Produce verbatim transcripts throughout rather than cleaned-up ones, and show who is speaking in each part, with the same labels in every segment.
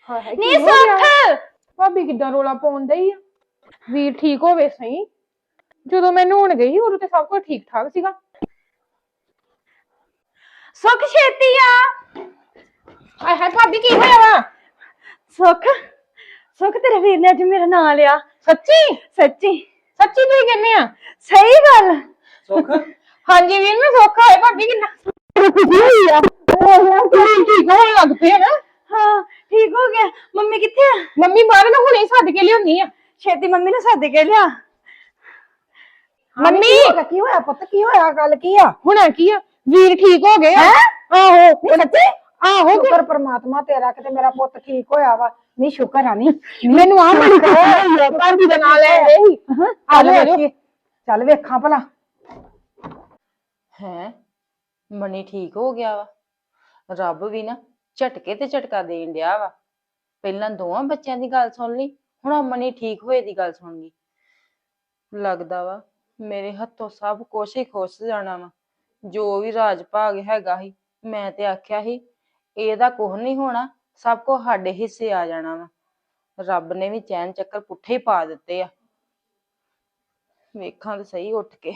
Speaker 1: ਹਾਏ ਹਾਏ
Speaker 2: ਨੀ
Speaker 1: ਕੀ ਹੋ ਗਿਆ?
Speaker 2: ਸੁੱਖ
Speaker 1: ਭਾਬੀ ਕਿੱਦਾਂ ਰੋਲਾ ਪਾਉਣ ਡਈ ਆ? ਵੀਰ ਠੀਕ ਹੋਵੇ ਸਹੀ। ਜਦੋਂ ਮੈਂ ਨਹਾਉਣ ਗਈ ਉਦੋਂ ਤੇ ਸਭ ਕੁਝ ਠੀਕ ਠਾਕ ਸੀਗਾ।
Speaker 2: ਸੁੱਖ ਛੇਤੀ ਆ।
Speaker 1: ਹਾਏ ਹਾਏ ਭਾਬੀ ਕੀ ਹੋਇਆ ਵਾ?
Speaker 2: ਸੁੱਖ ਸੁੱਖ ਤੇਰੇ ਵੀਰ ਨੇ ਅੱਜ ਮੇਰਾ ਨਾਂ ਲਿਆ।
Speaker 1: ਸੱਚੀ
Speaker 2: ਸੱਚੀ
Speaker 1: ਸੱਚੀ ਤੁਸੀਂ ਕਹਿੰਦੇ ਆ?
Speaker 2: ਸਹੀ ਗੱਲ।
Speaker 3: ਸੁੱਖ
Speaker 1: ਹਾਂਜੀ ਵੀਰ ਮੈਂ ਸੌਖਾ ਹੈ ਭਾਬੀ ਕਿੰਨਾ ਖੁਸ਼ੀ ਹੋਈ ਆ। ਉਹ ਠੀਕ ਹੋਣ ਲੱਗ ਪਏ ਨਾ।
Speaker 2: ਹਾਂ ਠੀਕ ਹੋ ਗਿਆ। ਮੰਮੀ ਕਿੱਥੇ ਆ?
Speaker 1: ਮੰਮੀ ਬਾਹਰ ਨਾ ਹੁਣੇ ਸੱਦ ਕੇ ਲਿਆਉਣੀ ਆ।
Speaker 2: ਛੇਤੀ ਮੰਮੀ ਨੂੰ ਸੱਦ ਕੇ ਲਿਆ।
Speaker 1: ਮੰਮੀ
Speaker 4: ਕੀ ਹੋਇਆ ਪੁੱਤ? ਕੀ ਹੋਇਆ? ਗੱਲ ਕੀ ਆ?
Speaker 1: ਹੁਣਾ ਕੀ ਆ? ਵੀਰ ਠੀਕ ਹੋ ਗਏ ਆ। ਆਹੋ
Speaker 4: ਸੱਚੀ?
Speaker 1: ਆਹੋ
Speaker 4: ਸ਼ੁਕਰ ਪ੍ਰਮਾਤਮਾ ਤੇਰਾ ਕਿਤੇ ਮੇਰਾ ਪੁੱਤ ਠੀਕ ਹੋਇਆ ਵਾ। ਨਹੀਂ ਸ਼ੁਕਰ ਆ। ਨਹੀਂ
Speaker 1: ਮੈਨੂੰ ਆ ਬੜੀ ਖੁਸ਼ੀ ਹੋਈ ਭਾਬੀ ਦਾ ਨਾਂ ਲੈ ਰਹੀ।
Speaker 4: ਚੱਲ ਵੇਖੀ, ਚੱਲ ਵੇਖਾਂ ਭਲਾ।
Speaker 5: ਹੈ ਮਨੀ ਠੀਕ ਹੋ ਗਿਆ ਵਾ। ਰੱਬ ਵੀ ਨਾ ਝਟਕੇ ਤੇ ਝਟਕਾ ਦੇਣ ਡਿਆ ਵਾ। ਪਹਿਲਾਂ ਦੋਵਾਂ ਬੱਚਿਆਂ ਦੀ ਗੱਲ ਸੁਣ ਲਈ, ਹੁਣ ਮਨੀ ਠੀਕ ਹੋਏ ਦੀ ਗੱਲ ਸੁਣ ਗਈ। ਲੱਗਦਾ ਵਾ ਮੇਰੇ ਹੱਥੋਂ ਸਭ ਕੁਛ ਹੀ ਖੁੱਸ ਜਾਣਾ ਵਾ। ਜੋ ਵੀ ਰਾਜ ਭਾਗ ਹੈਗਾ ਸੀ, ਮੈਂ ਤੇ ਆਖਿਆ ਸੀ ਇਹਦਾ ਕੁਝ ਨਹੀਂ ਹੋਣਾ, ਸਭ ਕੁਝ ਸਾਡੇ ਹਿੱਸੇ ਆ ਜਾਣਾ ਵਾ। ਰੱਬ ਨੇ ਵੀ ਚੈਨ ਚੱਕਰ ਪੁੱਠੇ ਹੀ ਪਾ ਦਿੱਤੇ ਆ। ਵੇਖਾਂ ਤੇ ਸਹੀ ਉੱਠ ਕੇ।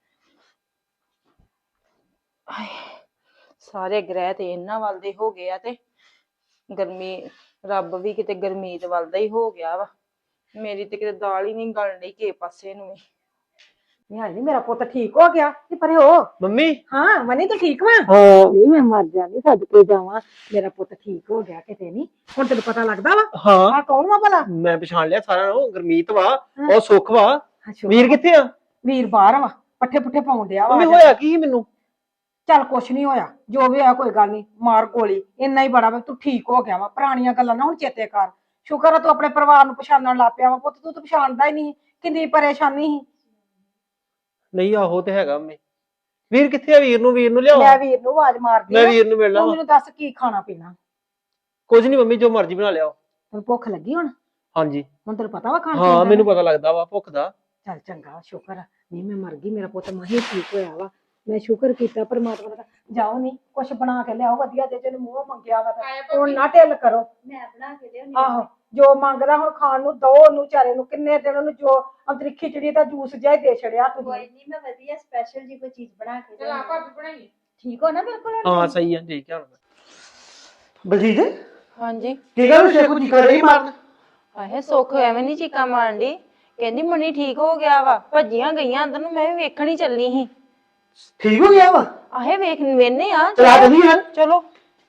Speaker 5: ਸਾਰੇ ਗ੍ਰਹਿ ਤੇ ਇਹਨਾਂ ਵੱਲ ਦੇ ਹੋ ਗਏ ਆ ਤੇ ਗਰਮੀ ਰੱਬ ਵੀ ਕਿਤੇ ਗਰਮੀਤ ਵੱਲ ਦਾ ਹੀ ਹੋ ਗਿਆ ਵਾ। ਮੇਰੀ ਤੇ ਕਿਤੇ ਦਾਲ ਹੀ ਨਹੀਂ ਗਲਣ ਡਈ ਕਿਸੇ ਪਾਸੇ ਨੂੰ ਵੀ।
Speaker 4: ਨਹੀਂ ਨਹੀਂ ਮੇਰਾ ਪੁੱਤ ਠੀਕ ਹੋ ਗਿਆ। ਤੇ ਪਰੇ ਹੋ
Speaker 3: ਮੰਮੀ।
Speaker 4: ਹਾਂ ਮਨੀ ਤੂੰ ਠੀਕ ਵਾ?
Speaker 3: ਹਾਂ
Speaker 4: ਨਹੀਂ ਮੈਂ ਮਰ ਜਾਂਦੀ ਸੱਦ ਕੇ ਜਾਵਾਂ। ਮੇਰਾ ਪੁੱਤ ਠੀਕ ਹੋ ਗਿਆ ਕਿਤੇ। ਨਹੀਂ ਹੁਣ ਤੈਨੂੰ ਪਤਾ ਲੱਗਦਾ ਵਾ
Speaker 3: ਹਾਂ
Speaker 4: ਆ ਕੌਣ ਵਾ ਭਲਾ?
Speaker 3: ਮੈਂ ਪਛਾਣ ਲਿਆ ਸਾਰਿਆਂ ਨੂੰ। ਗੁਰਮੀਤ ਵਾ, ਉਹ ਸੁੱਖ ਵਾ।
Speaker 4: ਅੱਛਾ,
Speaker 3: ਵੀਰ ਕਿੱਥੇ ਆ?
Speaker 4: ਵੀਰ ਬਾਹਰ ਵਾ, ਪੱਠੇ ਪੁੱਠੇ ਪਾਉਣ ਡਿਆ ਵਾ।
Speaker 3: ਮੰਮੀ ਹੋਇਆ ਕੀ ਸੀ ਮੈਨੂੰ?
Speaker 4: ਚੱਲ ਕੁਛ ਨਹੀਂ ਹੋਇਆ, ਜੋ ਵੀ ਹੋਇਆ ਕੋਈ ਗੱਲ ਨਹੀਂ। ਮਾਰ ਗੋਲੀ ਇੰਨਾ ਹੀ ਬੜਾ ਵਾ। ਤੂੰ ਠੀਕ ਹੋ ਗਿਆ ਵਾ। ਪੁਰਾਣੀਆਂ ਗੱਲਾਂ ਨਾ ਹੁਣ ਚੇਤੇ ਕਰ। ਸ਼ੁਕਰ ਆ ਤੂੰ ਆਪਣੇ ਪਰਿਵਾਰ ਨੂੰ ਪਛਾਣਨ ਲੱਗ ਪਿਆ ਵਾ। ਪੁੱਤ ਤੂੰ ਤਾਂ ਪਛਾਣਦਾ ਹੀ ਨਹੀਂ। ਕਿੰਨੀ ਪਰੇਸ਼ਾਨੀ ਸੀ।
Speaker 3: ਨਹੀਂ ਆਹੋ ਤੇ ਹੈਗਾ। ਮੈਂ ਵੀਰ ਕਿੱਥੇ ਆ? ਵੀਰ ਨੂੰ ਵੀਰ ਨੂੰ ਲਿਆਓ।
Speaker 4: ਮੈਂ ਵੀਰ ਨੂੰ ਆਵਾਜ਼ ਮਾਰਦੀ
Speaker 3: ਮੈਂ
Speaker 4: ਆ।
Speaker 3: ਵੀਰ ਨੂੰ ਮਿਲਣਾ
Speaker 4: ਤੂੰ
Speaker 3: ਵਾ।
Speaker 4: ਮੈਨੂੰ ਦੱਸ ਕੀ ਖਾਣਾ ਪੀਣਾ?
Speaker 3: ਕੁਝ ਨਹੀਂ ਮੰਮੀ, ਜੋ ਮਰਜ਼ੀ ਬਣਾ ਲਿਆਓ।
Speaker 4: ਤੈਨੂੰ ਭੁੱਖ ਲੱਗੀ ਹੁਣ?
Speaker 3: ਹਾਂਜੀ
Speaker 4: ਹੁਣ ਤੈਨੂੰ ਪਤਾ ਵਾ ਖਾਣ
Speaker 3: ਹਾਂ
Speaker 4: ਪੀਣ
Speaker 3: ਮੈਨੂੰ
Speaker 4: ਦਾ?
Speaker 3: ਪਤਾ ਲੱਗਦਾ ਵਾ ਭੁੱਖ ਦਾ।
Speaker 4: ਚੱਲ ਚੰਗਾ ਸ਼ੁਕਰ ਆ। ਨਹੀਂ ਮੈਂ ਮਰ ਗਈ, ਮੇਰਾ ਪੁੱਤ ਮਾਹੀ ਠੀਕ ਹੋਇਆ ਵਾ। ਮੈਂ ਸ਼ੁਕਰ ਕੀਤਾ ਪਰਮਾਤਮਾ ਦਾ। ਜਾਓ ਨਹੀਂ ਕੁਛ ਬਣਾ ਕੇ ਲਿਆਓ ਵਧੀਆ ਜੇ ਜਿਹਨੂੰ ਮੂੰਹ ਮੰਗਿਆ ਵਾ ਤਾਂ। ਹੁਣ ਨਾ ਢਿੱਲ ਕਰੋ।
Speaker 2: ਮੈਂ ਬਣਾ ਕੇ ਲਿਆਉਣੀ।
Speaker 4: ਆਹੋ ਜੋ ਮੰਗਦਾ ਹੁਣ ਖਾਣ ਨੂੰ ਦੋ ਉਹਨੂੰ ਵਿਚਾਰੇ ਨੂੰ। ਕਿੰਨੇ ਦਿਨ ਉਹਨੂੰ ਜੋ ਅੰਤਰੀ ਖਿਚੜੀ ਦਾ ਜੂਸ ਜਿਹਾ ਹੀ ਦੇ ਛੜਿਆ
Speaker 2: ਕੋਈ
Speaker 4: ਤੁਸੀਂ।
Speaker 2: ਨਹੀਂ ਮੈਂ ਵਧੀਆ ਸਪੈਸ਼ਲ ਜੀ ਕੋਈ ਚੀਜ਼ ਬਣਾ ਕੇ
Speaker 1: ਚਲ ਆਪਾਂ ਵੀ ਬਣਾਈਏ।
Speaker 2: ਠੀਕ ਹੋ ਨਾ ਬਿਲਕੁਲ?
Speaker 3: ਹਾਂ ਸਹੀ ਆ, ਠੀਕ ਆ।
Speaker 6: ਬਲਜੀਤ
Speaker 5: ਹਾਂਜੀ
Speaker 6: ਕੀ ਗੱਲ ਸ਼ੇਖੂ ਜੀ ਕਰ ਰਹੀ ਮਾਰਨ?
Speaker 5: ਆਹੇ ਸੁੱਖ ਐਵੇਂ ਨੀ ਚੀਕਾਂ ਮਾਰਨ ਡਈ। ਕਹਿੰਦੀ ਮਨੀ ਠੀਕ ਹੋ ਗਿਆ ਵਾ। ਭੱਜੀਆਂ ਗਈਆਂ ਅੰਦਰ ਨੂੰ, ਮੈਂ ਵੀ ਵੇਖਣ ਹੀ ਚੱਲੀ ਸੀ।
Speaker 6: ਠੀਕ ਹੋ ਗਿਆ ਵਾ?
Speaker 5: ਆਹੇ ਵੇਖ ਵੇਨੇ ਆ।
Speaker 6: ਚਲਾ ਦਿੰਦੀ ਯਾਰ।
Speaker 5: ਚਲੋ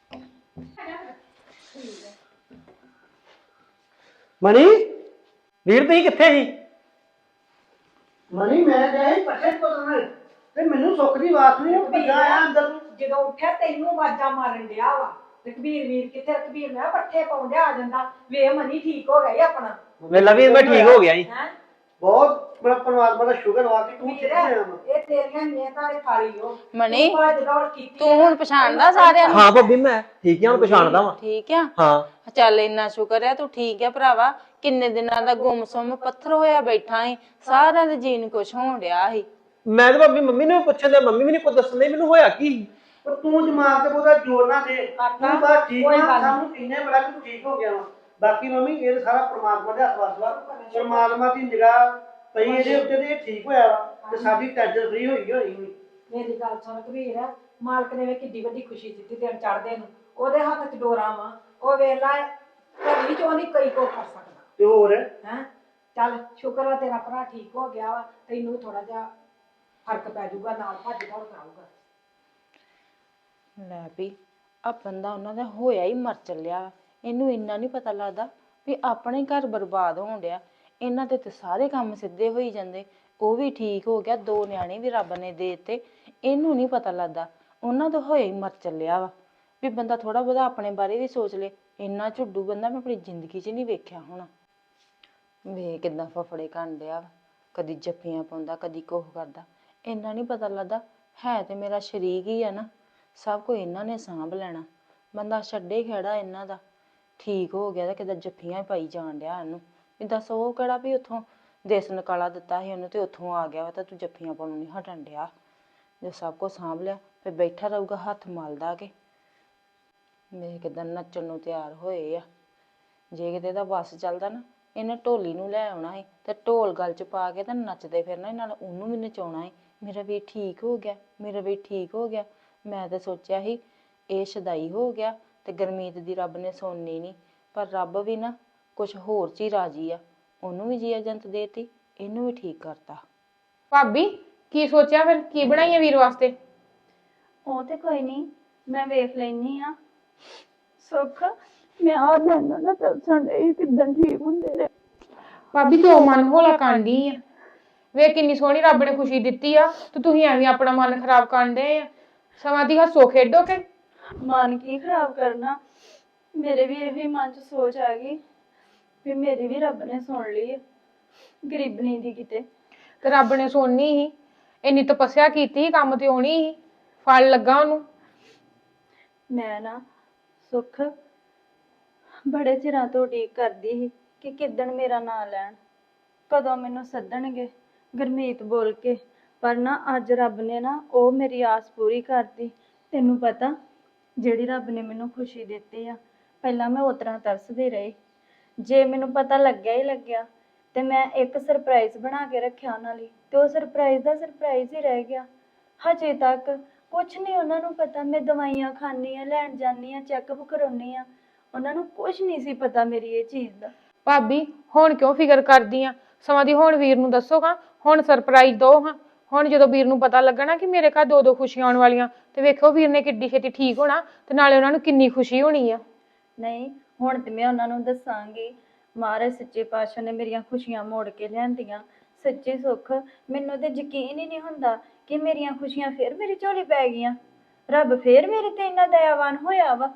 Speaker 6: ਮਨੀ
Speaker 3: ਵੀਰ ਤੁਸੀਂ ਕਿੱਥੇ ਸੀ?
Speaker 6: ਮਨੀ ਮੈਂ ਗਿਆ ਸੀ ਪੱਠੇ ਕੋਲ ਤੇ ਮੈਨੂੰ ਸੁੱਖ ਦੀ ਆਵਾਜ਼ ਨਹੀਂ ਭੱਜਾ ਆਇਆ ਅੰਦਰ ਨੂੰ।
Speaker 4: ਜਦੋਂ ਉੱਠਿਆ ਤੈਨੂੰ ਆਵਾਜ਼ਾਂ ਮਾਰਨ ਡਿਆ ਵਾ। ਰਘਬੀਰ ਵੀਰ ਕਿੱਥੇ? ਰਘਬੀਰ ਮੈਂ ਕਿਹਾ ਪੱਠੇ ਪਾਉਣ ਡਿਆ ਆ ਜਾਂਦਾ। ਵੇ ਮਨੀ ਠੀਕ ਹੋ ਗਿਆ ਈ ਆਪਣਾ।
Speaker 3: ਵੇਲਾ ਵੀਰ ਮੈਂ ਠੀਕ ਹੋ ਗਿਆ ਜੀ।
Speaker 4: ਹੈ
Speaker 6: ਬਹੁਤ ਬੜਾ ਪਰਮਾਤਮਾ ਦਾ ਸ਼ੁਕਰ ਵਾ ਕਿ ਤੂੰ ਠੀਕ
Speaker 4: ਵੀਰ
Speaker 6: ਹੋਇਆ ਵਾ।
Speaker 4: ਇਹ ਤੇਰੀਆਂ ਮਿਹਨਤਾਂ ਦੇ ਖਾਲੀ ਹੋ।
Speaker 5: ਮਨੀ
Speaker 4: ਤੂੰ ਭੱਜ ਦੌੜ ਕੀਤੀ
Speaker 5: ਤੂੰ ਹੁਣ ਪਛਾਣਦਾ ਸਾਰਿਆਂ ਨੂੰ?
Speaker 3: ਹਾਂ ਭਾਬੀ ਮੈਂ ਠੀਕ ਆ, ਹੁਣ ਪਛਾਣਦਾ ਵਾਂ।
Speaker 5: ਠੀਕ ਆ।
Speaker 3: ਹਾਂ
Speaker 5: ਚੱਲ ਇੰਨਾ ਸ਼ੁਕਰ ਆ ਤੂੰ ਠੀਕ ਆ ਭਰਾਵਾ। ਕਿੰਨੇ ਦਿਨਾਂ ਦਾ ਗੁੰਮਸੁੰਮ ਪੱਥਰ ਹੋਇਆ ਬੈਠਾ ਸੀ। ਸਾਰਿਆਂ ਦੇ ਜੀਣ ਕੁਛ ਹੋਣ ਡਿਆ ਸੀ।
Speaker 3: ਮੈਂ ਤਾਂ ਭਾਬੀ ਮੰਮੀ ਨੂੰ ਪੁੱਛਣ ਡਿਆ, ਮੰਮੀ ਵੀ ਨਹੀਂ ਕੁਝ ਦੱਸਣ ਡਈ ਮੈਨੂੰ ਹੋਇਆ ਕੀ।
Speaker 6: ਪਰ ਤੂੰ ਦਿਮਾਗ ਤੇ ਬਹੁਤਾ ਜ਼ੋਰ ਨਾ ਦੇ।
Speaker 4: ਕਰਤਾ।
Speaker 6: ਤੂੰ ਬਸ ਠੀਕ
Speaker 4: ਕੋਈ
Speaker 6: ਆ,
Speaker 4: ਗੱਲ ਨੀ।
Speaker 6: ਸਾਨੂੰ ਇੰਨੇ ਬੜਾ ਕਿ ਤੂੰ ਠੀਕ ਹੋ ਗਿਆ ਵਾ। ਬਾਕੀ ਮੰਮੀ ਇਹ ਸਾਰਾ ਪਰਮਾਤਮਾ ਦੇ ਹੱਥ ਵੱਸ ਵਾ। ਪਰਮਾਤਮਾ ਦੀ ਨਿਗਾਹ ਪਈ ਇਹਦੇ ਉੱਤੇ ਤੇ ਇਹ ਠੀਕ ਹੋਇਆ ਵਾ ਤੇ ਸਾਡੀ ਟੈਨਸ਼ਨ ਫ੍ਰੀ ਹੋਈ ਹੋਈ ਹੋਈ।
Speaker 4: ਮੇਰੀ ਗੱਲ ਸੁਣ ਰਘਬੀਰ, ਮਾਲਕ ਨੇ ਵੇ ਕਿੱਡੀ ਵੱਡੀ ਖੁਸ਼ੀ ਦਿੱਤੀ ਦਿਨ ਚੜ੍ਹਦੇ ਨੂੰ। ਉਹਦੇ ਹੱਥ 'ਚ ਡੋਰਾ ਵਾ। ਉਹ ਵੇਲਾ ਘੜੀ 'ਚ ਉਹਦੀ ਕਈ ਕੋ ਕਰ ਸਕਦਾ
Speaker 6: ਤੇ ਹੋਰ
Speaker 4: ਹੈ। ਚੱਲ ਸ਼ੁਕਰ ਆ ਤੇਰਾ ਭਰਾ ਠੀਕ ਹੋ ਗਿਆ ਵਾ। ਤੈਨੂੰ ਥੋੜਾ ਜਿਹਾ ਫਰਕ ਪੈ ਜਾਊਗਾ, ਨਾਲ ਭੱਜ ਦੌੜ ਕਰਾਊਗਾ।
Speaker 5: ਲੈ ਵੀ ਆ ਬੰਦਾ ਉਹਨਾਂ ਦਾ ਹੋਇਆ ਹੀ ਮਰ ਚੱਲਿਆ। ਇਹਨੂੰ ਇੰਨਾ ਨਹੀਂ ਪਤਾ ਲੱਗਦਾ ਵੀ ਆਪਣੇ ਘਰ ਬਰਬਾਦ ਹੋਣ ਡਿਆ। ਇਹਨਾਂ ਦੇ ਤੇ ਸਾਰੇ ਕੰਮ ਸਿੱਧੇ ਹੋਈ ਜਾਂਦੇ। ਉਹ ਵੀ ਠੀਕ ਹੋ ਗਿਆ, ਦੋ ਨਿਆਣੇ ਵੀ ਰੱਬ ਨੇ ਦੇ ਦਿੱਤੇ। ਇਹਨੂੰ ਨਹੀਂ ਪਤਾ ਲੱਗਦਾ ਉਹਨਾਂ ਦਾ ਹੋਇਆ ਹੀ ਮਰ ਚੱਲਿਆ ਵਾ। ਵੀ ਬੰਦਾ ਥੋੜਾ ਬਹੁਤਾ ਆਪਣੇ ਬਾਰੇ ਵੀ ਸੋਚ ਲੇ। ਇੰਨਾ ਝੁੱਡੂ ਬੰਦਾ ਮੈਂ ਆਪਣੀ ਜ਼ਿੰਦਗੀ 'ਚ ਨਹੀਂ ਵੇਖਿਆ ਹੋਣਾ। ਵੇ ਕਿੱਦਾਂ ਫਫੜੇ ਕਰਨ ਡਿਆ ਵਾ। ਕਦੀ ਜੱਫੀਆਂ ਪਾਉਂਦਾ, ਕਦੀ ਕੁਛ ਕਰਦਾ। ਇੰਨਾ ਨਹੀਂ ਪਤਾ ਲੱਗਦਾ ਹੈ ਤੇ ਮੇਰਾ ਸ਼ਰੀਕ ਹੀ ਆ ਨਾ। ਸਭ ਕੁਝ ਇਹਨਾਂ ਨੇ ਸਾਂਭ ਲੈਣਾ। ਬੰਦਾ ਛੱਡੇ ਖੜਾ ਇਹਨਾਂ ਦਾ। ਠੀਕ ਹੋ ਗਿਆ ਤਾਂ ਕਿੱਦਾਂ ਜੱਫੀਆਂ ਪਾਈ ਜਾਣ ਡਿਆ ਇਹਨੂੰ। ਵੀ ਦੱਸ ਉਹ ਕਿਹੜਾ ਵੀ ਉੱਥੋਂ ਦੇਸ ਨਿਕਾਲਾ ਦਿੱਤਾ ਸੀ ਉਹਨੂੰ ਤੇ ਉੱਥੋਂ ਆ ਗਿਆ ਵਾ ਤਾਂ ਤੂੰ ਜੱਫੀਆਂ ਪਾਉਣੋਂ ਨਹੀਂ ਹਟਣ ਡਿਆ। ਜੇ ਸਭ ਕੁਝ ਸਾਂਭ ਲਿਆ ਫਿਰ ਬੈਠਾ ਰਹੂਗਾ ਹੱਥ ਮਲਦਾ ਕੇ। ਮੇਰੇ ਕਿੱਦਾਂ ਨੱਚਣ ਨੂੰ ਤਿਆਰ ਹੋਏ ਆ। ਜੇ ਕਿਤੇ ਦਾ ਬੱਸ ਚੱਲਦਾ ਨਾ, ਇਹਨੇ ਢੋਲੀ ਨੂੰ ਲੈ ਆਉਣਾ ਸੀ ਤੇ ਢੋਲ ਗਲ ਚ ਪਾ ਕੇ ਤੇ ਨੱਚਦੇ ਫਿਰਨਾ, ਨਾਲ ਉਹਨੂੰ ਵੀ ਨਚਾਉਣਾ ਸੀ। ਮੇਰਾ ਵੀ ਠੀਕ ਹੋ ਗਿਆ, ਮੇਰਾ ਵੀ ਠੀਕ ਹੋ ਗਿਆ। ਮੈਂ ਤਾਂ ਸੋਚਿਆ ਸੀ ਇਹ ਸ਼ਦਾਈ ਹੋ ਗਿਆ ਤੇ ਗੁਰਮੀਤ ਦੀ ਰੱਬ ਨੇ ਸੁਣਨੀ ਨਹੀਂ, ਪਰ ਰੱਬ ਵੀ ਨਾ ਕੁਝ ਹੋਰ ਚ ਹੀ ਰਾਜੀ ਆ। ਉਹਨੂੰ ਵੀ ਜੀ ਏਜੰਟ ਦੇਤੀ, ਇਹਨੂੰ ਵੀ ਠੀਕ ਕਰਤਾ।
Speaker 1: ਭਾਬੀ ਕੀ ਸੋਚਿਆ ਫਿਰ, ਕੀ ਬਣਾਈਏ ਵੀਰ ਵਾਸਤੇ?
Speaker 2: ਉਹ ਤੇ ਕੋਈ ਨਹੀਂ, ਮੈਂ ਵੇਖ ਲੈਣੀ ਆ। ਸੁੱਖ ਮੈਂ ਆ ਲੈਣਾ ਨਾ ਦੱਸਣ ਦੇ ਕਿਦਾਂ ਠੀਕ ਹੁੰਦੇ ਨੇ।
Speaker 1: ਭਾਬੀ ਤੂੰ ਮਨ ਹੌਲਾ ਕਾਂਡੀ ਆ, ਵੇ ਕਿੰਨੀ ਸੋਹਣੀ ਰੱਬ ਨੇ ਖੁਸ਼ੀ ਦਿੱਤੀ ਆ ਤੇ ਤੁਸੀਂ ਐਵੇਂ ਆਪਣਾ ਮਨ ਖਰਾਬ ਕਰਦੇ ਆ। ਸਮਾਂ ਦੀ ਹੱਸੋ ਖੇਡੋ ਕਿ
Speaker 2: ਮਨ ਕੀ ਖਰਾਬ ਕਰਨਾ, ਮੇਰੇ ਵੀ ਇਹੀ ਮਨ ਚ ਸੋਚ ਆ ਗਈ ਵੀ ਮੇਰੀ ਵੀ ਰੱਬ ਨੇ ਸੁਣ ਲਈ ਗਰੀਬਣੀ ਦੀ ਕਿਤੇ।
Speaker 1: ਤੇ ਰੱਬ ਨੇ ਸੁਣਨੀ ਸੀ, ਇੰਨੀ ਤਪੱਸਿਆ ਕੀਤੀ, ਕੰਮ ਤੇ ਆਉਣੀ ਸੀ, ਫਲ ਲੱਗਾ ਉਹਨੂੰ।
Speaker 2: ਮੈਂ ਨਾ ਸੁੱਖ ਬੜੇ ਚਿਰਾਂ ਤੋਂ ਉਡੀਕ ਕਰਦੀ ਸੀ ਕਿ ਕਿੱਦਣ ਮੇਰਾ ਨਾਂ ਲੈਣ, ਕਦੋਂ ਮੈਨੂੰ ਸੱਦਣਗੇ ਗੁਰਮੀਤ ਬੋਲ ਕੇ। ਪਰ ਨਾ ਅੱਜ ਰੱਬ ਨੇ ਨਾ ਉਹ ਮੇਰੀ ਆਸ ਪੂਰੀ ਕਰਤੀ। ਤੈਨੂੰ ਪਤਾ ਜਿਹੜੀ ਰੱਬ ਨੇ ਮੈਨੂੰ ਖੁਸ਼ੀ ਦਿੱਤੀ ਆ, ਪਹਿਲਾਂ ਮੈਂ ਉਸ ਤਰ੍ਹਾਂ ਤਰਸਦੀ ਰਹੀ। ਜੇ ਮੈਨੂੰ ਪਤਾ ਲੱਗਿਆ ਹੀ ਲੱਗਿਆ ਤੇ ਮੈਂ ਇੱਕ ਸਰਪ੍ਰਾਈਜ਼ ਬਣਾ ਕੇ ਰੱਖਿਆ ਉਹਨਾਂ ਲਈ, ਤੇ ਉਹ ਸਰਪ੍ਰਾਈਜ਼ ਦਾ ਸਰਪ੍ਰਾਈਜ਼ ਹੀ ਰਹਿ ਗਿਆ। ਹਜੇ ਤੱਕ ਕੁਛ ਨਹੀਂ ਉਹਨਾਂ ਨੂੰ ਪਤਾ। ਮੈਂ ਦਵਾਈਆਂ ਖਾਂਦੀ ਆ, ਲੈਣ ਜਾਂਦੀ ਆ, ਚੈੱਕਅਪ ਕਰਾਉਣੀ ਆ, ਉਹਨਾਂ ਨੂੰ ਕੁਛ ਨਹੀਂ ਸੀ ਪਤਾ ਮੇਰੀ ਇਹ ਚੀਜ਼ ਦਾ।
Speaker 1: ਭਾਬੀ ਹੁਣ ਕਿਉਂ ਫਿਕਰ ਕਰਦੀ ਆ? ਸਮਾਂ ਦੀ ਹੁਣ ਵੀਰ ਨੂੰ ਦੱਸੋਗਾ, ਹੁਣ ਸਰਪ੍ਰਾਈਜ਼ ਦੋ ਹਾਂ। ਹੁਣ ਜਦੋਂ ਵੀਰ ਨੂੰ ਪਤਾ ਲੱਗਣਾ ਕਿ ਮੇਰੇ ਘਰ ਦੋ ਦੋ ਖੁਸ਼ੀਆਂ ਆਉਣ ਵਾਲੀਆਂ, ਤੇ ਵੇਖੋ ਵੀਰ ਨੇ ਕਿੱਡੀ ਛੇਤੀ ਠੀਕ ਹੋਣਾ ਤੇ ਨਾਲੇ ਉਹਨਾਂ ਨੂੰ ਕਿੰਨੀ ਖੁਸ਼ੀ ਹੋਣੀ ਆ।
Speaker 2: ਨਹੀਂ ਹੁਣ ਤੇ ਮੈਂ ਉਹਨਾਂ ਨੂੰ ਦੱਸਾਂਗੀ। ਮਹਾਰਾਜ ਸੱਚੇ ਪਾਤਸ਼ਾਹ ਨੇ ਮੇਰੀਆਂ ਖੁਸ਼ੀਆਂ ਮੋੜ ਕੇ ਲਿਆਂਦੀਆਂ। ਸੱਚੀ ਸੁੱਖ ਮੈਨੂੰ ਤੇ ਯਕੀਨ ਹੀ ਨਹੀਂ ਹੁੰਦਾ ਕਿ ਮੇਰੀਆਂ ਖੁਸ਼ੀਆਂ ਫੇਰ ਮੇਰੀ ਝੋਲੀ ਪੈ ਗਈਆਂ। ਰੱਬ ਫੇਰ ਮੇਰੇ ਤੇ ਇੰਨਾ ਦਇਆਵਾਨ ਹੋਇਆ ਵਾ।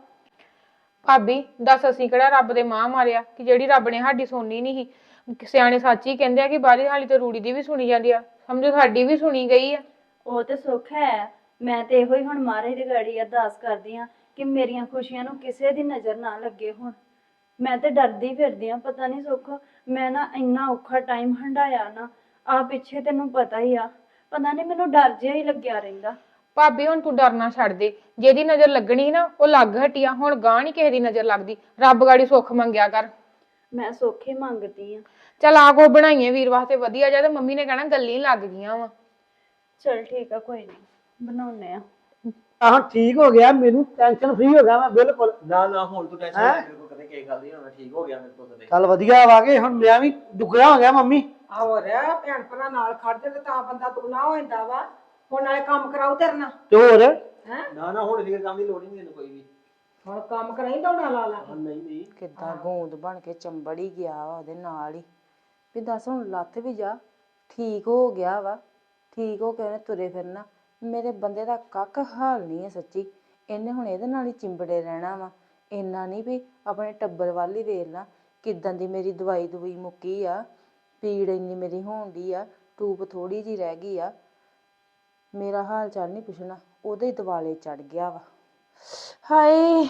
Speaker 1: ਭਾਬੀ ਦੱਸ ਅਸੀਂ ਕਿਹੜਾ ਰੱਬ ਦੇ ਮਾਂ ਮਾਰਿਆ ਕਿ ਜਿਹੜੀ ਰੱਬ ਨੇ ਸਾਡੀ ਸੁਣਨੀ ਨਹੀਂ ਸੀ। ਸਿਆਣੇ ਸੱਚ ਹੀ ਕਹਿੰਦੇ ਆ ਕਿ ਬਾਹਰੀ ਹਾਲੀ ਤੇ ਰੂੜੀ ਦੀ ਵੀ ਸੁਣੀ ਜਾਂਦੀ ਆ, ਸਮਝੋ ਸਾਡੀ ਵੀ ਸੁਣੀ ਗਈ ਆ।
Speaker 2: ਉਹ ਤੇ ਸੁੱਖ ਹੈ। ਮੈਂ ਤੇ ਇਹੋ ਹੀ ਹੁਣ ਮਹਾਰਾਜ ਦੀ ਗਾੜੀ ਅਰਦਾਸ ਕਰਦੀ ਆ ਕਿ ਮੇਰੀਆਂ ਖੁਸ਼ੀਆਂ ਨੂੰ ਕਿਸੇ ਦੀ ਨਜ਼ਰ ਨਾ ਲੱਗੇ। ਹੁਣ ਮੈਂ ਤੇ ਡਰਦੀ ਫਿਰਦੀ ਆ, ਪਤਾ ਨਹੀਂ ਸੁੱਖ ਮੈਂ ਨਾ ਇੰਨਾ ਔਖਾ ਟਾਈਮ ਹੰਡਾਇਆ ਨਾ ਆ ਪਿੱਛੇ, ਤੈਨੂੰ ਪਤਾ ਹੀ ਆ। ਪਤਾ ਨਹੀਂ ਮੈਨੂੰ ਡਰ ਜਿਹਾ ਹੀ ਲੱਗਿਆ ਰਹਿੰਦਾ।
Speaker 1: ਭਾਬੀ ਹੁਣ ਤੂੰ ਡਰਨਾ ਛੱਡ ਦੇ, ਜਿਹਦੀ ਨਜ਼ਰ ਲੱਗਣੀ ਨਾ ਉਹ ਲੱਗ ਹਟੀ ਆ, ਹੁਣ ਗਾਂ ਨੀ ਕਿਸੇ ਦੀ ਨਜ਼ਰ ਲੱਗਦੀ। ਰੱਬ ਗਾੜੀ ਸੁੱਖ ਮੰਗਿਆ ਕਰ।
Speaker 2: ਮੈਂ ਸੁੱਖ ਹੀ ਮੰਗਦੀ ਆ।
Speaker 1: ਚੱਲ ਆ ਕੋ ਬਣਾਈਏ ਵੀਰ ਵਾਸਤੇ ਵਧੀਆ ਜਿਹਾ, ਤੇ ਮੰਮੀ ਨੇ ਕਹਿਣਾ ਗੱਲਾਂ ਹੀ ਲੱਗ ਗਈਆਂ ਵਾ।
Speaker 2: ਚਲ ਠੀਕ ਆ, ਕੋਈ ਨਹੀਂ ਬਣਾਉਨੇ ਆ।
Speaker 6: ਆਹ ਠੀਕ ਹੋ ਗਿਆ, ਮੈਨੂੰ ਟੈਨਸ਼ਨ ਫ੍ਰੀ ਹੋ ਗਿਆ ਮੈਂ ਬਿਲਕੁਲ।
Speaker 3: ਨਾ ਨਾ ਹੁਣ ਤੂੰ ਟੈਨਸ਼ਨ ਲੈ, ਮੇਰੇ ਕੋਲ ਕਦੇ ਕੀ ਗੱਲ ਨਹੀਂ ਹੋਣਾ, ਠੀਕ ਹੋ ਗਿਆ ਮੇਰੇ ਕੋਲ ਕਦੇ।
Speaker 6: ਚੱਲ ਵਧੀਆ ਵਾਗੇ, ਹੁਣ ਮੈਂ ਵੀ ਦੁੱਗਣਾ ਹੋ ਗਿਆ ਮੰਮੀ।
Speaker 4: ਹੋਰ ਭੈਣ ਭਰਾ ਨਾਲ ਖੜਦੇ ਤੇ ਤਾਂ ਬੰਦਾ ਦੁਗਣਾ ਹੋ ਜਾਂਦਾ ਵਾ। ਹੁਣ ਨਾਲੇ ਕੰਮ ਕਰਾਉ ਤੇਰੇ ਨਾਲ
Speaker 6: ਤੇ ਹੋਰ
Speaker 4: ਹੈ।
Speaker 3: ਨਾ ਨਾ ਹੁਣ ਫਿਕਰ ਕੰਮ ਦੀ ਲੋੜ ਹੀ ਨਹੀਂ ਤੈਨੂੰ ਕੋਈ ਵੀ।
Speaker 4: ਹੁਣ ਕੰਮ ਕਰਾਈ ਦੌੜਾ ਲਾ ਲਾ ਕੇ।
Speaker 3: ਨਹੀਂ ਨਹੀਂ
Speaker 5: ਕਿੱਦਾਂ ਗੂੰਦ ਬਣ ਕੇ ਚੰਬੜ ਹੀ ਗਿਆ ਵਾ ਉਹਦੇ ਨਾਲ ਹੀ। ਵੀ ਦੱਸ ਹੁਣ ਲੱਥ ਵੀ ਜਾ, ਠੀਕ ਹੋ ਗਿਆ ਵਾ, ਠੀਕ ਹੋ ਕੇ ਉਹਨੇ ਤੁਰੇ ਫਿਰਨਾ। ਮੇਰੇ ਬੰਦੇ ਦਾ ਕੱਖ ਹਾਲ ਨਹੀਂ ਹੈ ਸੱਚੀ। ਇਹਨੇ ਹੁਣ ਇਹਦੇ ਨਾਲ ਹੀ ਚਿੰਬੜੇ ਰਹਿਣਾ ਵਾ। ਇੰਨਾ ਨਹੀਂ ਵੀ ਆਪਣੇ ਟੱਬਰ ਵੱਲ ਹੀ ਵੇਖ ਲਾ, ਕਿੱਦਾਂ ਦੀ ਮੇਰੀ ਦਵਾਈ ਦਵਾਈ ਮੁੱਕੀ ਆ, ਪੀੜ ਇੰਨੀ ਮੇਰੀ ਹੋਣ ਡਈ ਆ, ਟੂਬ ਥੋੜੀ ਜਿਹੀ ਰਹਿ ਗਈ ਆ। ਮੇਰਾ ਹਾਲ ਚਾਲ ਨਹੀਂ ਪੁੱਛਣਾ, ਉਹਦੇ ਹੀ ਦਿਵਾਲੇ ਚੜ ਗਿਆ ਵਾ। ਹਾਏ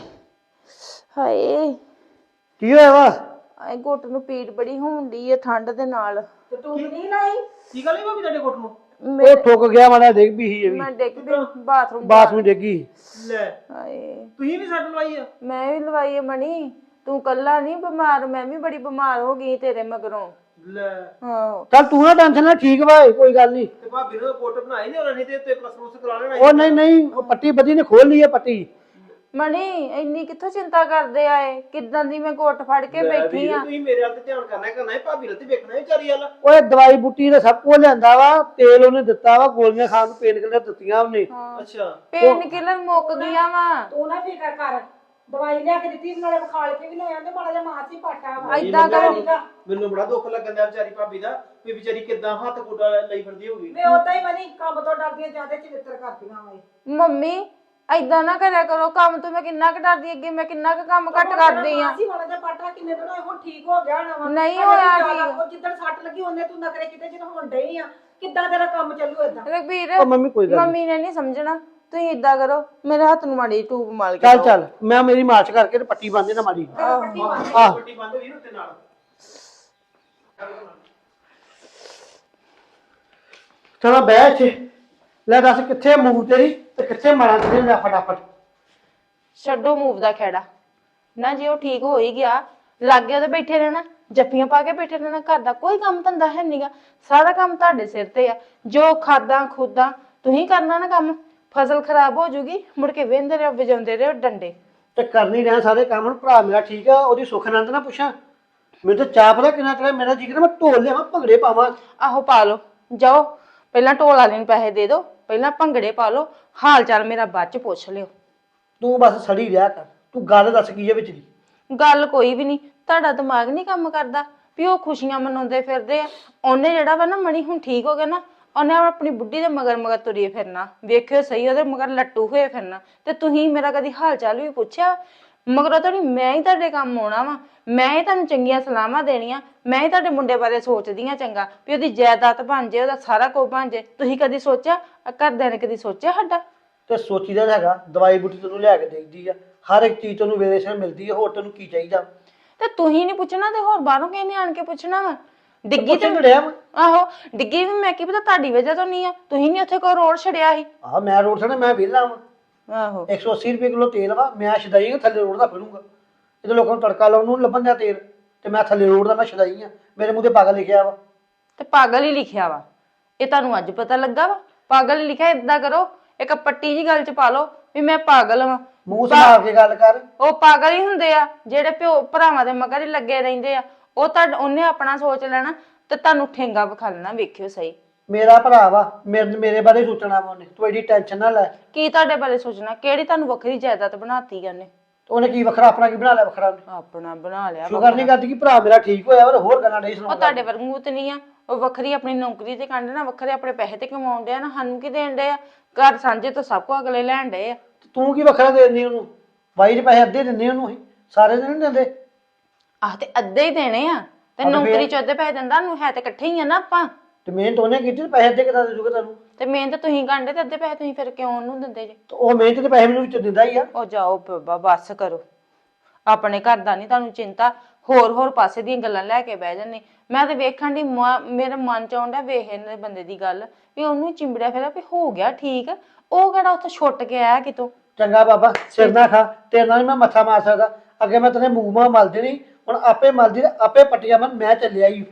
Speaker 5: ਹਾਏ
Speaker 6: ਕੀ ਹੋਇਆ ਵਾ?
Speaker 5: ਆਏ ਗੁੱਟ ਨੂੰ ਪੀੜ ਬੜੀ ਹੋਣ ਡਈ ਆ ਠੰਡ ਦੇ ਨਾਲ।
Speaker 4: ਤੇ ਤੂੰ ਨਹੀਂ ਲਾਈ?
Speaker 3: ਕੀ ਗੱਲ ਹੈ ਭਾਬੀ ਤੁਹਾਡੇ ਕੋਟ ਨੂੰ?
Speaker 6: ਉਹ ਠੁੱਕ ਗਿਆ, ਮਾੜਾ ਡਿੱਗ ਵੀ ਸੀ ਇਹ ਵੀ,
Speaker 5: ਮੈਂ ਡਿੱਗ ਪਈ ਬਾਥਰੂਮ
Speaker 6: ਬਾਥਰੂਮ ਡਿੱਗੀ।
Speaker 3: ਲੈ
Speaker 5: ਹਾਏ
Speaker 3: ਤੁਸੀਂ ਵੀ ਸੱਟ ਲਵਾਈ ਆ?
Speaker 5: ਮੈਂ ਵੀ ਲਵਾਈ ਆ ਮਣੀ, ਤੂੰ ਕੱਲਾ ਨਹੀਂ ਬਿਮਾਰ, ਮੈਂ ਵੀ ਬੜੀ ਬਿਮਾਰ ਹੋ ਗਈ ਤੇਰੇ ਮਗਰੋਂ।
Speaker 3: ਲੈ
Speaker 5: ਹਾਂ
Speaker 6: ਚੱਲ ਤੂੰ ਨਾ ਟੈਨਸ਼ਨ ਲੈ, ਠੀਕ ਵਾ ਕੋਈ ਗੱਲ ਨਹੀਂ।
Speaker 3: ਤੇ ਭਾਬੀ ਨੇ ਕੋਟ ਬਣਾਈ ਨਹੀਂ ਉਹਨਾਂ ਨੇ ਤੇ ਉੱਤੇ ਪਲਸਟਰ ਉਸ ਕਰਾ ਲੈਣਾ।
Speaker 6: ਉਹ ਨਹੀਂ ਨਹੀਂ, ਉਹ ਪੱਟੀ ਬੱਦੀ ਨੇ ਖੋਲ ਲਈ ਹੈ ਪੱਟੀ।
Speaker 5: ਮਣੀ ਇੰਨੀ ਕਿੱਥੋਂ ਚਿੰਤਾ ਕਰਦੇ ਆਏ, ਕਿੱਦਾਂ ਦੀ ਮੈਂ ਗੁੱਟ ਫੜ ਕੇ ਬੈਠੀ ਆ।
Speaker 3: ਤੁਸੀਂ ਮੇਰੇ ਵੱਲ ਤੇ ਧਿਆਨ ਕਰਨਾ ਕਰਨਾ ਹੈ, ਭਾਬੀ ਵੱਲ ਤੇ ਵੇਖਣਾ ਹੈ ਵਿਚਾਰੀ ਵੱਲ।
Speaker 6: ਓਏ ਦਵਾਈ ਬੂਟੀ ਦਾ ਸਭ ਕੁਝ ਲਿਆਂਦਾ ਵਾ, ਤੇਲ ਉਹਨੇ ਦਿੱਤਾ ਵਾ, ਗੋਲੀਆਂ ਖਾਣ ਨੂੰ ਪੇਨ ਕਿਲਰ ਦਿੱਤੀਆਂ ਉਹਨੇ।
Speaker 3: ਅੱਛਾ
Speaker 5: ਪੇਨ ਕਿਲਰ ਮੁੱਕ ਗਿਆ ਵਾ।
Speaker 4: ਤੂੰ ਨਾ ਫਿਕਰ ਕਰ, ਦਵਾਈ ਲਿਆ ਕੇ ਦਿੱਤੀ, ਨਾਲੇ ਵਿਖਾਲ ਕੇ ਵੀ ਲੈ ਆਂਦੇ, ਮਾੜਾ ਜਿਹਾ ਮਾਸ ਹੀ ਪਾਟਾ ਵਾ।
Speaker 5: ਏਦਾਂ ਕਰ
Speaker 3: ਮੈਨੂੰ ਬੜਾ ਦੁੱਖ ਲੱਗਣ ਦਾ ਵਿਚਾਰੀ ਭਾਬੀ ਦਾ, ਵੀ ਵਿਚਾਰੀ ਕਿੱਦਾਂ ਹੱਥ ਗੋਡਾ ਲਈ ਫਿਰਦੀ ਹੋਊਗੀ।
Speaker 4: ਮੈਂ ਉਦਾਂ ਹੀ ਮਨੀ ਕੰਮ ਤੋਂ ਡਰਦੀਆਂ ਜਿਆਦਾ ਚਿੱਤਰ ਕਰਦੀਆਂ ਵਾ।
Speaker 5: ਮੰਮੀ ਏਦਾਂ ਨਾ ਕਰਿਆ ਕਰੋ, ਕੰਮ ਤੋਂ ਮੈਂ ਕਿੰਨਾ ਕੁ ਡਰਦੀ, ਅੱਗੇ ਮੈਂ ਕਿੰਨਾ ਕੁ ਕੰਮ ਘੱਟ ਕਰਦੀ ਆ।
Speaker 4: ਅਸੀਂ ਮਾੜਾ ਜਿਹਾ ਪਾਟਾ ਕਿੰਨੇ ਦਿਨ ਹੋਏ, ਹੁਣ ਠੀਕ ਹੋ ਗਿਆ ਨਾ ਵਾ।
Speaker 5: ਨਹੀਂ
Speaker 4: ਹਜੇ
Speaker 5: ਹੋਇਆ
Speaker 4: ਵੀ ਜ਼ਿਆਦਾ,
Speaker 5: ਠੀਕ।
Speaker 4: ਉਹ ਜਿੱਦਣ ਸੱਟ ਲੱਗੀ ਉਹਨੇ ਤੂੰ ਨਖਰੇ ਕਿਤੇ ਜਦੋਂ ਹੁਣ ਡਈ ਆ, ਕਿੱਦਾਂ ਤੇਰਾ ਕੰਮ ਚੱਲੂ ਏਦਾਂ?
Speaker 5: ਰਘਬੀਰ
Speaker 6: ਉਹ ਮੰਮੀ ਕੋਈ ਗੱਲ ਨੀ।
Speaker 5: ਮੰਮੀ ਨੇ ਨਹੀਂ ਸਮਝਣਾ, ਤੁਸੀਂ ਏਦਾਂ ਕਰੋ ਮੇਰੇ ਹੱਥ ਨੂੰ ਮਾੜੀ ਟੂਬ ਮਾਲ ਕੇ
Speaker 6: ਚੱਲ
Speaker 5: ਦਿਓ।
Speaker 6: ਚੱਲ ਮੈਂ ਮੇਰੀ ਮਾਰਚ ਕਰਕੇ ਤੇ ਪੱਟੀ ਬੰਨ੍ਹ ਦੇ ਨਾ ਮਾੜੀ। ਆਹ
Speaker 3: ਪੱਟੀ ਬੰਦ ਹੋਈ ਉੱਤੇ ਨਾਲ।
Speaker 6: ਚਲੋ ਬਹਿ ਇੱਥੇ, ਲੈ ਦੱਸ ਕਿੱਥੇ ਮੂੰਹ ਤੇਰੀ ਤੇ ਕਿੱਥੇ ਮਾਰਾਂ ਤੇਰੀ, ਲੈ ਫਟਾਫਟ।
Speaker 5: ਛੱਡੋ ਮੂਵ ਦਾ ਖੇੜਾ ਨਾ, ਜੇ ਉਹ ਠੀਕ ਹੋ ਹੀ ਗਿਆ ਲਾਗੇ ਉਹਦੇ ਬੈਠੇ ਰਹਿਣਾ, ਜੱਫੀਆਂ ਪਾ ਕੇ ਬੈਠੇ ਰਹਿਣਾ। ਘਰ ਦਾ ਕੋਈ ਕੰਮ ਧੰਦਾ ਹੈ ਨਹੀਂਗਾ, ਸਾਰਾ ਕੰਮ ਤੁਹਾਡੇ ਸਿਰ ਤੇ ਆ। ਜੋ ਖਾਦਾਂ ਖੁਦਾਂ ਤੁਸੀਂ ਕਰਨਾ ਨਾ ਕੰਮ, ਫਸਲ ਖਰਾਬ ਹੋ ਜੂਗੀ, ਮੁੜ ਕੇ ਵਹਿੰਦੇ ਰਹੋ ਵਜਾਉਂਦੇ ਰਹੋ ਡੰਡੇ।
Speaker 6: ਤੇ ਕਰਨੀ ਰਿਹਾ ਸਾਰੇ ਕੰਮ। ਹੁਣ ਭਰਾ ਮੇਰਾ ਠੀਕ ਆ, ਉਹਦੀ ਸੁੱਖ ਆਨੰਦ ਨਾ ਪੁੱਛਾਂ। ਮੈਨੂੰ ਤਾਂ ਚਾਹ ਪਤਾ ਕਿੰਨਾ ਚੜਿਆ, ਮੇਰਾ ਜੀ ਕਰਦਾ ਮੈਂ ਢੋਲ ਲਿਆਵਾਂ, ਭੰਗੜੇ ਪਾਵਾਂ।
Speaker 5: ਆਹੋ ਪਾ ਲਓ, ਜਾਓ ਪਹਿਲਾਂ ਢੋਲ ਵਾਲੇ ਨੂੰ ਪੈਸੇ ਦੇ ਦਿਓ, ਪਹਿਲਾਂ ਭੰਗੜੇ ਪਾ ਲਓ, ਹਾਲ ਚਾਲ ਮੇਰਾ ਬਾਅਦ ਚ ਪੁੱਛ ਲਿਓ।
Speaker 6: ਤੂੰ ਬਸ ਸੜੀ ਰਿਹਾ ਕਰ, ਤੂੰ ਗੱਲ ਦੱਸ ਕੀ ਹੈ ਵਿੱਚ ਦੀ।
Speaker 5: ਗੱਲ ਕੋਈ ਵੀ ਨਹੀਂ, ਤੁਹਾਡਾ ਦਿਮਾਗ ਨਹੀਂ ਕੰਮ ਕਰਦਾ ਵੀ ਉਹ ਖੁਸ਼ੀਆਂ ਮਨਾਉਂਦੇ ਫਿਰਦੇ ਆ। ਉਹਨੇ ਜਿਹੜਾ ਵਾ ਨਾ ਮਣੀ ਹੁਣ ਠੀਕ ਹੋ ਗਿਆ ਨਾ, ਉਹਨੇ ਆਪਣੀ ਬੁੱਢੀ ਦੇ ਮਗਰ ਮਗਰ ਤੁਰੀ ਫਿਰਨਾ, ਵੇਖਿਓ ਸਹੀ ਉਹਦੇ ਮਗਰ ਲੱਟੂ ਹੋਏ ਫਿਰਨਾ। ਤੇ ਤੁਸੀਂ ਮੇਰਾ ਕਦੀ ਹਾਲ ਚਾਲ ਵੀ ਪੁੱਛਿਆ? ਮਗਰੋਂ ਤਾਂ ਮੈਂ ਹੀ ਤੁਹਾਡੇ ਕੰਮ ਆਉਣਾ ਵਾ, ਮੈਂ ਹੀ ਤੁਹਾਨੂੰ ਚੰਗੀਆਂ ਸਲਾਹਾਂ ਦੇਣੀਆਂ, ਮੈਂ ਹੀ ਤੁਹਾਡੇ ਮੁੰਡੇ ਬਾਰੇ ਸੋਚਦੀ ਆ ਚੰਗਾ ਵੀ ਉਹਦੀ ਜਾਇਦਾਦ ਬਣ ਜੇ, ਉਹਦਾ ਸਾਰਾ ਕੁਝ ਬਣ ਜੇ। ਤੁਸੀਂ ਕਦੀ ਸੋਚਿਆ? ਘਰਦਿਆਂ ਨੇ ਕਦੀ ਸੋਚਿਆ ਸਾਡਾ?
Speaker 6: ਤੇ ਸੋਚੀਦਾ ਤਾਂ ਹੈਗਾ, ਦਵਾਈ ਬੂਟੀ ਤੈਨੂੰ ਲਿਆ ਕੇ ਦੇਈਦੀ ਆ, ਹਰ ਇੱਕ ਚੀਜ਼ ਤੈਨੂੰ ਵੇਲੇ ਸਿਰ ਮਿਲਦੀ ਆ, ਹੋਰ ਤੈਨੂੰ ਕੀ ਚਾਹੀਦਾ?
Speaker 5: ਤੇ ਤੁਸੀਂ ਨਹੀਂ ਪੁੱਛਣਾ ਤੇ ਹੋਰ ਬਾਹਰੋਂ ਕਿਸੇ ਨੇ ਆਣ ਕੇ ਪੁੱਛਣਾ ਵਾ? ਡਿੱਗੀ ਤੇ
Speaker 6: ਡਿਆ ਵਾ।
Speaker 5: ਆਹੋ ਡਿੱਗੀ ਵੀ ਮੈਂ ਕੀ ਪਤਾ ਤੁਹਾਡੀ ਵਜ੍ਹਾ ਤੋਂ ਨਹੀਂ ਆ, ਤੁਸੀਂ ਨਹੀਂ ਉੱਥੇ ਕੋਈ ਰੋਡ ਛੜਿਆ ਸੀ।
Speaker 6: ਆਹ ਮੈਂ ਰੋਡ ਛੜਾ, ਮੈਂ ਵਿਹਲਾ ਵਾਂ।
Speaker 5: ਆਹੋ
Speaker 6: ਇੱਕ ਸੌ ਅੱਸੀ ਰੁਪਏ ਕਿਲੋ ਤੇਲ ਵਾ, ਮੈਂ ਛਦਾਈ ਆ, ਥੱਲੇ ਰੋਡ ਦਾ ਫਿਰੂੰਗਾ। ਇਹਦੇ ਲੋਕਾਂ ਨੂੰ ਤੜਕਾ ਲਾਉਣ ਨੂੰ ਨੀ ਲੱਭਣ ਦਿਆ ਤੇਲ, ਤੇ ਮੈਂ ਥੱਲੇ ਰੋਡ ਦਾ ਮੈਂ ਛਦਾਈ ਆ। ਮੇਰੇ ਮੂੰਹ ਤੇ ਪਾਗਲ ਲਿਖਿਆ ਵਾ।
Speaker 5: ਤੇ ਪਾਗਲ ਹੀ ਲਿਖਿਆ ਵਾ, ਇਹ ਤੁਹਾਨੂੰ ਅੱਜ ਪਤਾ ਲੱਗਾ ਵਾ? ਪਾਗਲ ਹੀ ਲਿਖਿਆ। ਏਦਾਂ ਕਰੋ, ਇੱਕ ਪੱਟੀ ਜੀ ਗੱਲ ਚ ਪਾ ਲਓ ਵੀ ਮੈਂ ਪਾਗਲ ਵਾਂ।
Speaker 6: ਮੂੰਹ ਸੰਭਾਲ ਕੇ ਗੱਲ ਕਰ।
Speaker 5: ਉਹ ਪਾਗਲ ਹੀ ਹੁੰਦੇ ਆ ਜਿਹੜੇ ਪਿਓ ਭਰਾਵਾਂ ਦੇ ਮਗਰ ਹੀ ਲੱਗੇ ਰਹਿੰਦੇ ਆ। ਉਹ ਤਾਂ ਉਹਨੇ ਆਪਣਾ ਸੋਚ ਲੈਣਾ ਤੇ ਤੁਹਾਨੂੰ ਠੇਂਗਾ ਵਿਖਾ ਲੈਣਾ, ਵੇਖਿਓ ਸਹੀ।
Speaker 6: ਮੇਰਾ ਭਰਾ ਵਾ, ਮੇਰੇ ਮੇਰੇ ਬਾਰੇ ਸੋਚਣਾ ਵਾ ਉਹਨੇ, ਤੂੰ ਐਡੀ ਟੈਨਸ਼ਨ ਨਾ ਲੈ।
Speaker 5: ਕੀ ਤੁਹਾਡੇ ਬਾਰੇ ਸੋਚਣਾ? ਕਿਹੜੀ ਤੁਹਾਨੂੰ ਵੱਖਰੀ ਜਾਇਦਾਦ ਬਣਾਤੀ ਉਹਨੇ?
Speaker 6: ਉਹਨੇ ਕੀ ਵੱਖਰਾ ਆਪਣਾ ਕੀ ਬਣਾ ਲਿਆ ਵੱਖਰਾ ਉਹਨੇ?
Speaker 5: ਆਪਣਾ ਬਣਾ ਲਿਆ।
Speaker 6: ਸ਼ੁਕਰ ਨਹੀਂ ਕਰਦੀ ਕਿ ਭਰਾ ਮੇਰਾ ਠੀਕ ਹੋਇਆ, ਪਰ ਹੋਰ ਗੱਲਾਂ ਨਹੀਂ
Speaker 5: ਉਹ
Speaker 6: ਸੁਣਾਉਂਦਾ।
Speaker 5: ਤੁਹਾਡੇ ਵਰਗੂ ਤੇ ਨਹੀਂ ਆ, ਉਹ ਵੱਖਰੀ ਆਪਣੀ ਨੌਕਰੀ ਤੇ ਕੰਡ ਨਾ, ਵੱਖਰੇ ਆਪਣੇ ਪੈਸੇ ਤੇ ਕਮਾਉਣ ਡਿਆ ਨਾ। ਸਾਨੂੰ ਕੀ ਦੇਣ ਡਏ ਆ? ਘਰ ਸਾਂਝੇ ਤੋਂ ਸਭ ਕੁਝ ਅਗਲੇ ਲੈਣ ਡਏ ਆ।
Speaker 6: ਤੂੰ ਕੀ ਵੱਖਰਾ ਦੇ ਦਿੰਦੀ ਉਹਨੂੰ? ਬਾਈ ਦੇ ਪੈਸੇ ਅੱਧੇ ਦਿੰਦੇ ਉਹਨੂੰ, ਅਸੀਂ ਸਾਰੇ ਦਿਨ ਨਹੀਂ ਦਿੰਦੇ।
Speaker 5: ਆਹ ਤੇ ਅੱਧੇ ਹੀ ਦੇਣੇ ਆ, ਤੇ ਨੌਕਰੀ ਚ ਅੱਧੇ ਪੈਸੇ ਦਿੰਦਾ ਨੂੰ ਹੈ ਤੇ ਇਕੱਠੇ ਹੀ ਆ ਨਾ ਆਪਾਂ।
Speaker 6: ਤੇ ਮਿਹਨਤ ਉਹਨੇ ਕੀਤੀ, ਤੇ ਪੈਸੇ ਅੱਧੇ ਕਿੱਦਾਂ ਦੇ ਦੂਗਾ ਤੁਹਾਨੂੰ?
Speaker 5: ਤੇ ਮਿਹਨਤ ਤੁਸੀਂ ਕਾਂਡੇ ਤੇ ਅੱਧੇ ਪੈਸੇ ਤੁਸੀਂ ਫਿਰ ਕਿਉਂ ਉਹਨੂੰ ਦਿੰਦੇ ਜੇ?
Speaker 6: ਤੇ ਉਹ ਮਿਹਨਤ ਦੇ ਪੈਸੇ ਮੈਨੂੰ ਵਿੱਚ ਦਿੰਦਾ ਹੀ ਆ।
Speaker 5: ਉਹ ਜਾਓ ਬਾਬਾ ਬੱਸ ਕਰੋ, ਆਪਣੇ ਘਰ ਦਾ ਨਹੀਂ ਤੁਹਾਨੂੰ ਚਿੰਤਾ, ਹੋਰ ਹੋਰ ਪਾਸੇ ਦੀਆਂ ਗੱਲਾਂ ਲੈ ਕੇ ਬਹਿ ਜਾਂਦੇ। ਮੈਂ ਤੇ ਵੇਖਣ ਦੀ ਮੇਰੇ ਮਨ ਚ ਆਉਂਦਾ ਵੇਖ ਇਹਨੇ ਬੰਦੇ ਦੀ ਗੱਲ ਵੀ ਉਹਨੂੰ ਚਿੰਬੜਿਆ ਫਿਰਿਆ ਵੀ ਹੋ ਗਿਆ ਠੀਕ, ਉਹ ਕਿਹੜਾ ਉੱਥੇ ਛੁੱਟ ਕੇ ਆਇਆ ਕਿਤੋਂ।
Speaker 6: ਚੰਗਾ ਬਾਬਾ, ਸਿਰ ਨਾ ਖਾ, ਤੇਰੇ ਨਾਲ ਨੀ ਮੈਂ ਮੱਥਾ ਮਾਰ ਸਕਦਾ। ਅੱਗੇ ਮੈਂ ਤੇਰੇ ਮੂੰਹ ਮਾਂ ਮਲ ਦੇਣੀ, ਹੁਣ ਆਪੇ ਮਲਦੀ ਤੇ ਆਪੇ ਪੱਟੀਆਂ ਮਨ। ਮੈਂ ਚੱਲਿਆ ਹੀ।